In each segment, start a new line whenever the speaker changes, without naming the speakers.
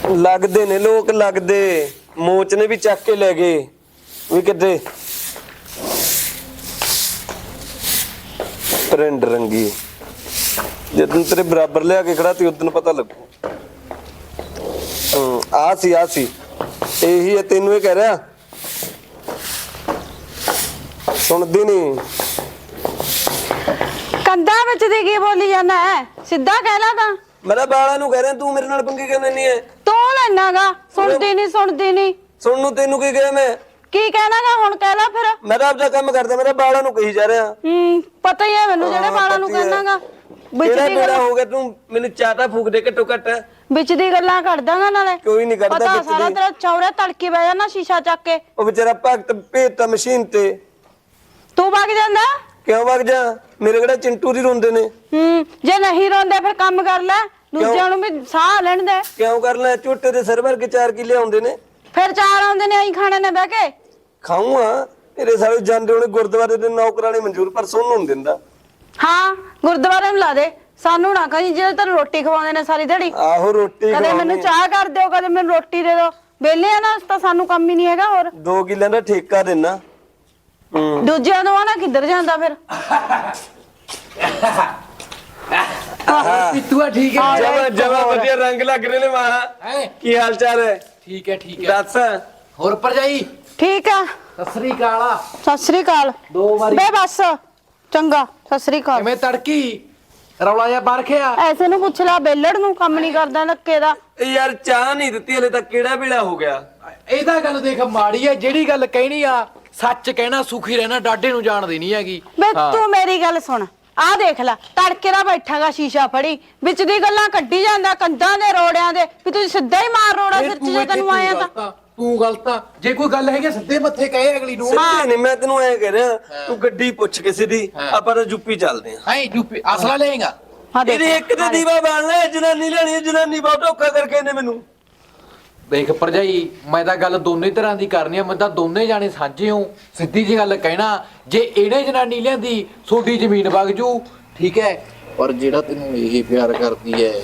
लगदे ने लोग लगदे मोच ने भी चक के ले गए भी किते प्रिंट रंगी जिदन तेरे बराबर लिया के खड़ा थी उदन पता लगू आ सी यही है तेनू ही कह रहा सुनदी नहीं
कंधा विच दी की बोली जाना है सीधा कहना था
मेरा बाला नू कह रहा तू मेरे नाल पंगे करने नहीं है
तू लेनागा सुनदी नहीं
सुन नू तेनू की कहे मैं
की कहनागा हुण कह ला फिर
मैं तो आपदा काम करदा मेरा बाला नू कही जा रहा
पता ही है मैनू जेड़े बाला नू कहनागा विच दी
मेरा हो गया तू मैनू चाटा फूक दे घट्टो घट
विच दी गल्लां करदागा नाले
कोई नहीं करदा
पता सारा तेरा चौरे तड़के बह जाना शीशा चक के
ओ बेचारा भगत भेजता मशीन ते
तू भाग जांदा
क्यों भाग जा मेरे किहड़ा चिंटू री रोंदे ने
जे नहीं रोंदे फिर काम कर ले दूजिਆਂ ਨੂੰ ਵੀ ਸਾਹ ਲੈਣ ਦੇ
क्यों कर ले झोटे दे सिर भर के 4 किले आउंदे ने
फिर 4 ਆਉਂਦੇ ਨੇ ਆਈ ਖਾਣੇ ਨੇ ਬਹਿ ਕੇ
ਖਾਊਂਗਾ ਤੇਰੇ ਸਾਰੇ ਜਾਂਦੇ ਹੋਣੇ ਗੁਰਦੁਆਰੇ ਦੇ ਨੌਕਰਾਣੇ ਮਨਜ਼ੂਰ ਪਰ ਸੁਣ ਨੂੰ ਦਿੰਦਾ
ਹਾਂ ਗੁਰਦੁਆਰੇ ਨੂੰ ਲਾ ਦੇ ਸਾਨੂੰ ਨਾ ਕਹੀਂ ਜਿਹੜੇ ਤੈਨੂੰ ਰੋਟੀ ਖਵਾਉਂਦੇ ਨੇ ਸਾਰੀ ਦਿਹਾੜੀ
ਆਹੋ ਰੋਟੀ
ਕਦੇ ਮੈਨੂੰ ਚਾਹ ਕਰ ਦਿਓ ਕਦੇ ਮੈਨੂੰ ਰੋਟੀ ਦੇ ਦਿਓ ਵਿਹਲੇ ਆ ਨਾ ਤਾਂ ਸਾਨੂੰ ਕੰਮ ਹੀ ਨਹੀਂ ਹੈਗਾ ਹੋਰ
2 ਕਿੱਲਿਆਂ ਦਾ ਠੇਕਾ ਦੇਣਾ
ਦੂਜਿਆਂ ਨੂੰ ਆ ਨਾ ਕਿੱਧਰ ਜਾਂਦਾ ਫਿਰ
पितुआ ठीक है
जमा जमा बढ़िया रंग लग रहे ने वहां की हाल चाल है
ठीक है
दस
होर पर जाई
ਠੀਕ ਆ
सत श्री अकाल
ਸਤਿ ਸ੍ਰੀ ਅਕਾਲ
दो बारी
ਬੇ ਬਸ ਚੰਗਾ ਸਤਿ ਸ੍ਰੀ ਅਕਾਲ
मैं तड़की रौला जा बाहर खेया
ਐਸੇ ਨੂੰ ਪੁੱਛ ਲੈ ਬੇਲੜ ਨੂੰ ਕੰਮ ਨਹੀਂ ਕਰਦਾ ਨੱਕੇ ਦਾ
यार चाह नहीं ਦਿੱਤੀ ਹਲੇ ਤੱਕ ਕਿਹੜਾ ਵੇਲਾ ਹੋ ਗਿਆ
ਇਹਦਾ ਗੱਲ ਦੇਖ ਮਾੜੀ ਹੈ ਜਿਹੜੀ ਗੱਲ ਕਹਿਣੀ ਆ ਸੱਚ ਕਹਿਣਾ ਸੁਖੀ ਰਹਿਣਾ ਡਾਡੇ ਨੂੰ ਜਾਣਦੀ ਨਹੀਂ ਹੈਗੀ
ਬੇ ਤੂੰ ਮੇਰੀ ਗੱਲ ਸੁਣ ਆ ਦੇਖ ਲੈ ਤੜਕੇ ਦਾ ਬੈਠਾਗਾ ਸ਼ੀਸ਼ਾ ਫੜੀ ਵਿੱਚ ਦੀ ਗੱਲਾਂ ਕੱਢੀ ਜਾਂਦਾ ਕੰਧਾਂ ਦੇ ਰੋੜਿਆਂ ਦੇ ਵੀ ਤੁਸੀਂ ਸਿੱਧਾ ਹੀ ਮਾਰ ਰੋੜਾ ਸਿਰ 'ਚ ਜੇ ਤੈਨੂੰ ਆਇਆ ਤਾਂ
ਤੂੰ ਗਲਤ ਆ ਜੇ ਕੋਈ ਗੱਲ ਹੈਗੀ ਸਿੱਧੇ ਮੱਥੇ ਕਹੇ ਅਗਲੀ ਨੂੰ
ਸਿੱਧੇ ਨਹੀਂ ਮੈਂ ਤੈਨੂੰ ਐ ਕਹਿ ਰਿਹਾ ਤੂੰ ਗੱਡੀ ਪੁੱਛ ਕਿਸੇ ਦੀ ਆਪਾਂ ਤਾਂ ਯੂਪੀ ਚੱਲਦੇ ਆ
ਐ ਯੂਪੀ ਅਸਲਾ ਲਏਗਾ
ਹਾਂ ਦੇਖ
ਇਹਦੇ ਇੱਕ ਤੇ ਦੀਵਾ ਬਾਲਣਾ ਜਨਾਨੀ ਲੈਣੀ ਜਨਾਨੀ ਬਹੁਤ ਧੋਖਾ ਕਰਕੇ ਇਹਨੇ ਮੈਨੂੰ
ਦੇਖ ਭਰਜਾਈ ਮੈਂ ਤਾਂ ਗੱਲ ਦੋਨੇ ਤਰ੍ਹਾਂ ਦੀ ਕਰਨੀ ਆ ਮੈਂ ਤਾਂ ਦੋਨੇ ਜਾਣੇ ਸਾਂਝੇ ਹਾਂ ਸਿੱਧੀ ਜੀ ਗੱਲ ਕਹਿਣਾ ਜੇ ਇਹਨੇ ਜਨਾਨੀ ਲਿਆਂਦੀ ਛੋਟੀ ਜ਼ਮੀਨ ਵਗ ਜੂ ਠੀਕ ਹੈ ਪਰ ਜਿਹੜਾ ਤੈਨੂੰ ਇਹ ਪਿਆਰ ਕਰਦੀ ਹੈ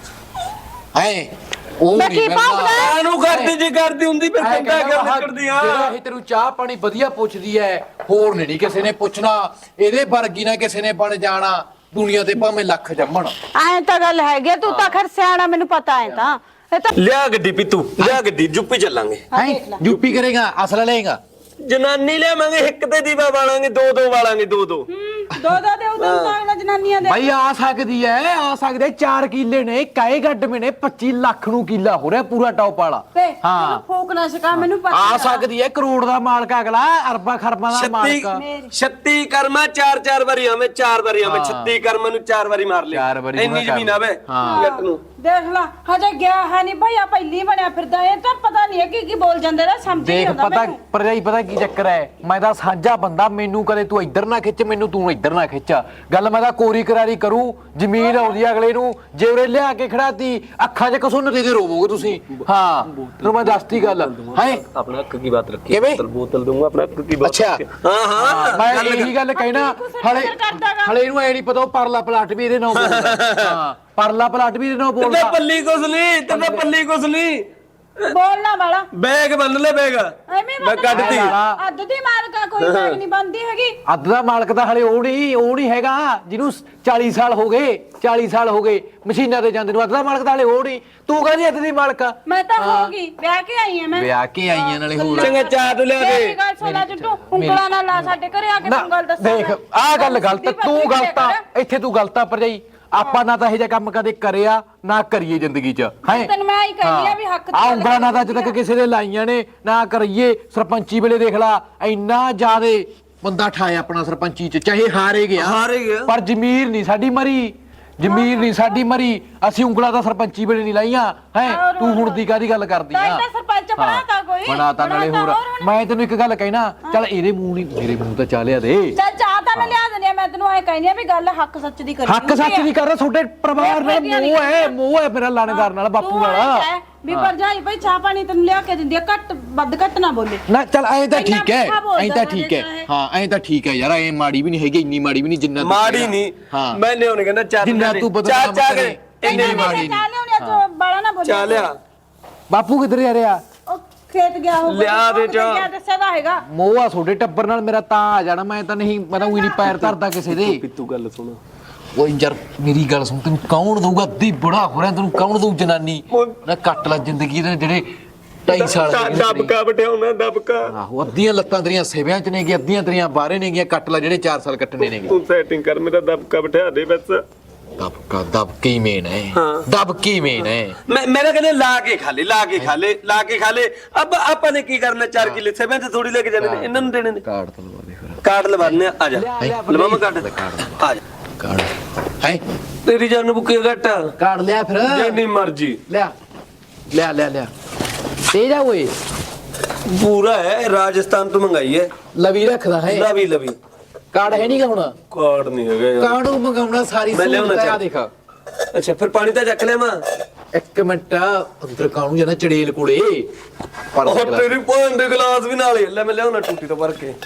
ਹੈ ਉਹ
ਮੈਂ
ਨਹੀਂ
ਕੀ ਭੌਂਕਦਾ?
ਕਾਹਨੂੰ ਕਰਦੀ ਜੀ ਕਰਦੀ ਹੁੰਦੀ ਫਿਰ ਕੰਡਾ ਕਰ ਨਿਕਲਦੀ ਆ
ਜਿਹੜਾ ਇਹ ਤੈਨੂੰ ਚਾਹ ਪਾਣੀ ਵਧੀਆ ਪੁੱਛਦੀ ਹੈ ਹੋਰ ਨਹੀਂ ਕਿਸੇ ਨੇ ਪੁੱਛਣਾ ਇਹਦੇ ਵਰਗੀ ਨਾ ਕਿਸੇ ਨੇ ਬਣ ਜਾਣਾ ਦੁਨੀਆ ਤੇ ਭਾਵੇਂ ਲੱਖ ਜੰਮਣ
ਐ ਤਾਂ ਗੱਲ ਹੈਗੀ ਤੂੰ ਤਾਂ ਖਰ ਸਿਆਣਾ ਮੈਨੂੰ ਪਤਾ ਹੈ ਤਾਂ ਇਹ ਤਾਂ
ਲਿਆ ਗੱਡੀ ਪੀਤੂ ਲਿਆ ਗੱਡੀ ਯੂਪੀ ਚੱਲਾਂਗੇ
ਹੈ ਯੂਪੀ ਕਰੇਗਾ ਅਸਲਾ ਲਏਗਾ
ਜਨਾਨੀ ਲਿਆਵਾਂਗੇ ਇੱਕ ਤੇ ਦੀਵਾ ਬਾਲਾਂਗੇ ਦੋ ਵਾਲਾਂਗੇ ਦੋ
ਦੋ ਦੇ ਉਦੋਂ ਤਾਂ ਜਨਾਨੀਆਂ ਦੇ
ਭਾਈ ਆ ਸਕਦੀ ਐ ਆ ਸਕਦੇ 4 ਕਿੱਲੇ ਨੇ ਕਾਏ ਗੱਡ ਮੇ ਨੇ 25 ਲੱਖ ਨੂੰ ਕਿੱਲਾ ਹੋ ਰਿਹਾ ਪੂਰਾ ਟੌਪ ਵਾਲਾ
ਹਾਂ ਫੋਕ ਨਾ ਸਕਾ ਮੈਨੂੰ ਪਤਾ
ਆ ਸਕਦੀ ਐ ਕਰੋੜ ਦਾ ਮਾਲਕ ਅਗਲਾ ਅਰਬਾਂ ਖਰਬਾਂ ਦਾ ਮਾਲਕ
36 ਕਰਮਾ 4 ਵਾਰੀ ਆਵੇਂ 4 ਵਾਰੀ ਆਵੇਂ 36 ਕਰਮਾਂ ਨੂੰ 4 ਵਾਰੀ ਮਾਰ ਲਿਆ
4 ਵਾਰੀ
ਇੰਨੀ ਜ਼ਮੀਨ ਆਵੇ ਜੱਟ ਨੂੰ
ਦੇਖ ਲਾ ਹਜੇ ਗਿਆ ਹੈ ਨਹੀਂ ਭਾਈ ਆ ਪਹਿਲੀ ਬਣਿਆ ਫਿਰਦਾ ਇਹ ਤਾਂ ਪਤਾ ਨਹੀਂ ਹੈ ਕੀ ਬੋਲ ਜਾਂਦੇ ਨੇ ਸਮਝ ਨਹੀਂ
ਦੇਖ
ਆਉਂਦਾ
ਪਤਾ
ਮੈਨੂੰ
ਭਰਜਾਈ ਪਤਾ ਕੀ ਚੱਕਰ ਐ ਮੈਂ ਤਾਂ ਸਾਂਝਾ ਬੰਦਾ ਮੈਨੂੰ ਕਦੇ ਤੂੰ ਇੱਧਰ ਨਾ ਖਿੱਚ ਮੈਨੂੰ ਤੂੰ ਇੱਧਰ ਨਾ ਖਿੱਚ ਗੱਲ ਮੈਂ ਤਾਂ ਕੋਰੀ ਕਰਾਰੀ ਕਰੂ ਜ਼ਮੀਨ ਆਉਂਦੀ ਅਗਲੇ ਨੂੰ ਜੇ ਉਰੇ ਲਿਆ ਕੇ ਖੜਾਤੀ ਅੱਖਾਂ 'ਚ ਕਸੁੰਨ ਦੇ ਰੋਵੋਗੇ ਤੁਸੀਂ ਹਾਂ ਤੈਨੂੰ ਮੈਂ ਦੱਸਤੀ ਗੱਲ ਹੈ
ਆਪਣਾ ਹੱਕ ਕੀ ਬਾਤ ਰੱਖੀ
ਕਿਵੇਂ
ਬੋਤਲ ਦੂੰਗਾ ਆਪਣਾ ਹੱਕ ਕੀ ਬਾਤ
ਅੱਛਾ
ਹਾਂ
ਮੈਂ ਇਹੀ ਗੱਲ ਕਹਿਣਾ ਹਲੇ ਇਹਨੂੰ ਐ ਨਹੀਂ ਪਤਾ ਉਹ ਪਰਲਾ ਪਲਾਟ ਵੀ ਇਹਦੇ ਨਾਲ ਬੋਲਦਾ ਹਾਂ ਪਰਲਾ ਪਲਾਟ ਵੀ ਇਹਦੇ ਨਾਲ
ਤੇ
ਬੋਲਦਾ
ਪੱਲੀ ਕੁਛ ਨਹੀਂ ਤੇ ਪੱਲੀ ਕੁਛ ਨਹੀਂ
ਬੋਲਣਾ ਵਾਲਾ
ਬੈਗ ਬੰਨ ਲੈ ਬੈਗ
ਐਵੇਂ
ਮੈਂ ਕੱਢਤੀ
ਅੱਧ ਦੀ ਮਾਲਕਾ ਕੋਈ ਬੈਗ ਨਹੀਂ ਬੰਦੀ ਹੈਗੀ
ਅੱਧ ਦਾ ਮਾਲਕ ਤਾਂ ਹਲੇ ਉਹ ਨਹੀਂ ਹੈਗਾ ਜਿਹਨੂੰ 40 ਸਾਲ ਹੋ ਗਏ ਮਸ਼ੀਨਾਂ ਤੇ ਜਾਂਦੇ ਨੂੰ ਅੱਧ ਦਾ ਮਾਲਕ ਤਾਂ ਹਲੇ ਉਹ ਨਹੀਂ ਤੂੰ ਕਹਿੰਦੀ ਅੱਧ ਦੀ ਮਾਲਕ ਆ
ਮੈਂ ਤਾਂ ਹੋਗੀ ਵਿਆਹ ਕੇ ਆਈ ਆ ਮੈਂ
ਵਿਆਹ ਕੇ ਆਈਆਂ ਨਾਲੇ ਹੋਰ
ਚੰਗਾ ਚਾਟ ਲਿਆ
ਮੇਰੀ
ਦੇ
ਗੱਲ ਸੁਣਾ ਜੱਟੂ ਉਂਗਲਾਂ ਨਾਲ ਲਾ ਸਾਡੇ ਘਰੇ ਆ ਕੇ ਤੂੰ ਗੱਲ ਦੱਸ
ਦੇਖ ਆਹ ਗੱਲ ਗਲਤ ਤੂੰ ਗਲਤ ਆ ਇੱਥੇ ਤੂੰ ਗਲਤ ਆ ਭਰਜਾਈ ਆਪਾਂ ਨਾ ਤਾਂ ਇਹ ਜਿਹਾ ਕੰਮ ਕਦੇ ਕਰਿਆ ਨਾ ਕਰੀਏ ਜ਼ਿੰਦਗੀ 'ਚ ਹੈ
ਤੈਨੂੰ ਮੈਂ ਹੀ ਕਹਿੰਦੀ ਆ ਵੀ ਹੱਕ
ਆ ਉਂਗਲਾਂ ਨਾ ਤਾਂ ਅੱਜ ਤੱਕ ਕਿਸੇ ਦੇ ਲਾਈਆਂ ਨੇ ਨਾ ਕਰੀਏ ਸਰਪੰਚੀ ਵੇਲੇ ਦੇਖ ਲਾ ਇੰਨਾ ਜ਼ਿਆਦੇ ਬੰਦਾ ਠਾਇਆ ਆਪਣਾ ਸਰਪੰਚੀ 'ਚ ਚਾਹੇ ਹਾਰੇ ਗਿਆ ਪਰ ਜ਼ਮੀਰ ਨਹੀਂ ਸਾਡੀ ਮਰੀ ਅਸੀਂ ਉਂਗਲਾਂ ਤਾਂ ਸਰਪੰਚੀ ਵੇਲੇ ਨਹੀਂ ਲਾਈਆਂ ਹੈ ਤੂੰ ਹੁਣ ਦੀ ਕਾਦੀ ਗੱਲ ਕਰਦੀ ਆ
ਸਰਪੰਚ ਬਣਾਤਾ ਕੋਈ
ਬਣਾਤਾ ਨਾਲੇ ਹੋਰ ਮੈਂ ਤੈਨੂੰ ਇੱਕ ਗੱਲ ਕਹਿਣਾ ਚੱਲ ਇਹਦੇ ਮੂੰਹ ਨਹੀਂ ਮੇਰੇ ਮੂੰਹ ਤਾਂ ਚਾਹ ਲਿਆ ਦੇ
ਚੱਲ ਚਾਹ ਤਾਂ ਮੈਂ ਲਿਆ ਦਿੰਦੀ ਆ ਮੈਂ ਤੈਨੂੰ ਐ ਕਹਿੰਦੀ ਆ ਵੀ ਗੱਲ ਹੱਕ ਸੱਚ ਦੀ ਕਰੀ
ਹੱਕ ਸੱਚ ਦੀ ਕਰ ਤੁਹਾਡੇ ਪਰਿਵਾਰ ਨਾਲ ਮੋਹ ਹੈ ਮੇਰਾ ਲਾਣੇਦਾਰ ਨਾਲ ਬਾਪੂ ਨਾਲ
ਵੀ ਭਰਜਾਈ ਭਾਈ ਚਾਹ ਪਾਣੀ ਤੈਨੂੰ ਲਿਆ ਕੇ ਦਿੰਦੀ ਆ ਘੱਟ ਨਾ ਬੋਲੇ
ਨਾ ਚੱਲ ਐਂ ਤਾਂ ਠੀਕ ਹੈ ਹਾਂ ਐਂ ਤਾਂ ਠੀਕ ਹੈ ਯਾਰ ਐ ਮਾੜੀ ਵੀ ਨਹੀਂ ਹੈਗੀ ਇੰਨੀ ਮਾੜੀ ਵੀ ਨਹੀਂ ਜਿੰਨਾ
ਮਾੜੀ ਨਹੀਂ ਮੈਂ ਲਿਓ ਨਹੀਂ ਕਹਿੰਦਾ ਚਾਹ
ਜਿੰਨਾ ਤੂੰ ਬਦਨਾਮ ਕਰੇ ਇੰਨੀ ਮਾੜੀ
ਚਾਹ ਲਿਆਉਣੀ ਆ ਤੂੰ ਬਾਲਾ ਨਾ ਬੋਲੇ
ਚਾਹ ਲਿਆ
ਬਾਪੂ ਕਿੱਧਰ ਜਾ ਰਿਹਾ?
ਉਹ ਖੇਤ ਗਿਆ ਹੋਊਗਾ।
ਲਿਆ ਦੇ
ਕਿੱਧਰ
ਚਾਹ।
ਗਿਆ ਦੱਸਿਆ ਤਾਂ ਹੈਗਾ।
ਮੋਆ ਛੋਟੇ ਟੱਬਰ ਨਾਲ ਮੇਰਾ ਤਾਂ ਆ ਜਾਣਾ, ਮੈਂ ਤਾਂ ਨਹੀਂ, ਮੈਂ ਤਾਂ ਉਹੀ ਨਹੀਂ ਪੈਰ ਧਰਦਾ ਕਿਸੇ ਦੇ।
ਤੂੰ ਗੱਲ ਸੁਣ,
ਓਏ ਯਾਰ ਮੇਰੀ ਗੱਲ ਸੁਣ, ਤੈਨੂੰ ਕੌਣ ਦਊਗਾ? ਅੱਧੀ ਬੁੜਾ ਹੋ ਰਿਹਾ, ਤੈਨੂੰ ਕੌਣ ਦਊ ਜਨਾਨੀ? ਨਾ ਕੱਟ ਲੈ ਜ਼ਿੰਦਗੀ ਦੇ ਜਿਹੜੇ 2.5 ਸਾਲ ਦੇ
ਦਬਕਾ ਬਟਿਆਉਣਾ ਦਬਕਾ।
ਆਹੋ, ਅੱਧੀਆਂ ਲੱਤਾਂ ਤੇਰੀਆਂ ਸੇਵਿਆਂ ਚ ਨੇਗੀਆਂ, ਅੱਧੀਆਂ ਤੇਰੀਆਂ ਬਾਹਰੇ ਨੇਗੀਆਂ। ਕੱਟ ਲੈ ਜਿਹੜੇ 4 ਸਾਲ ਕੱਟਣੇ ਨੇਗੇ।
ਤੂੰ ਸੈਟਿੰਗ ਕਰ, ਮੇਰਾ ਦਬਕਾ ਬਿਠਾ ਦੇ ਬਸ।
ਦਬਕੇ ਹੀ ਮੇਨ ਹੈ, ਦਬਕੇ ਹੀ ਮੇਨ ਹੈ।
मेरा कहने ला के खा ले, ला के खा ले, ला के खा ले। अब अपन ने की करना 4 किले सेवन से थोड़ी लेके जाने ने, इन्होंने देने ने।
ਕਾਰਡ ਤਲਵਾ ਦੇ ਫਿਰ।
कार्ड लवाने आ जा, लवा मैं कार्ड आ जा।
ਕਾਰਡ ਹੈ,
तेरी जान बुके घट
ਕਾਰਡ ਲਿਆ ਫਿਰ।
जिन्नी मर्जी
ਲਿਆ ਲਿਆ ਲਿਆ ਲਿਆ ਤੇ ਜਾ ਓਏ।
पूरा है, राजस्थान तो मंगाई है।
ਲਵੀ ਰੱਖਦਾ ਹੈ।
लवी लवी
ਕਾਰਡ ਹੈ ਨਹੀਂਗਾ ਹੁਣ?
कार्ड नहीं है यार।
ਕਾਰਡ ਨੂੰ ਮੰਗਾਉਣਾ ਸਾਰੀ
ਮੈਂ ਲਿਆਉਣਾ
ਸਹੂਲਤ ਆ,
ਚਾਹ।
ਦੇਖ।
अच्छा फिर पानी तो चख ले मां।
ਇੱਕ ਮਿੰਟ ਅੰਦਰ ਕਾਣੂ ਜਾਣਾ ਚੜੇਲ ਕੋਲੇ ਪਰ
और तेरी भैन दे गिलास भी नाल ही ले, मैं लियाउना टूटी तो भर के।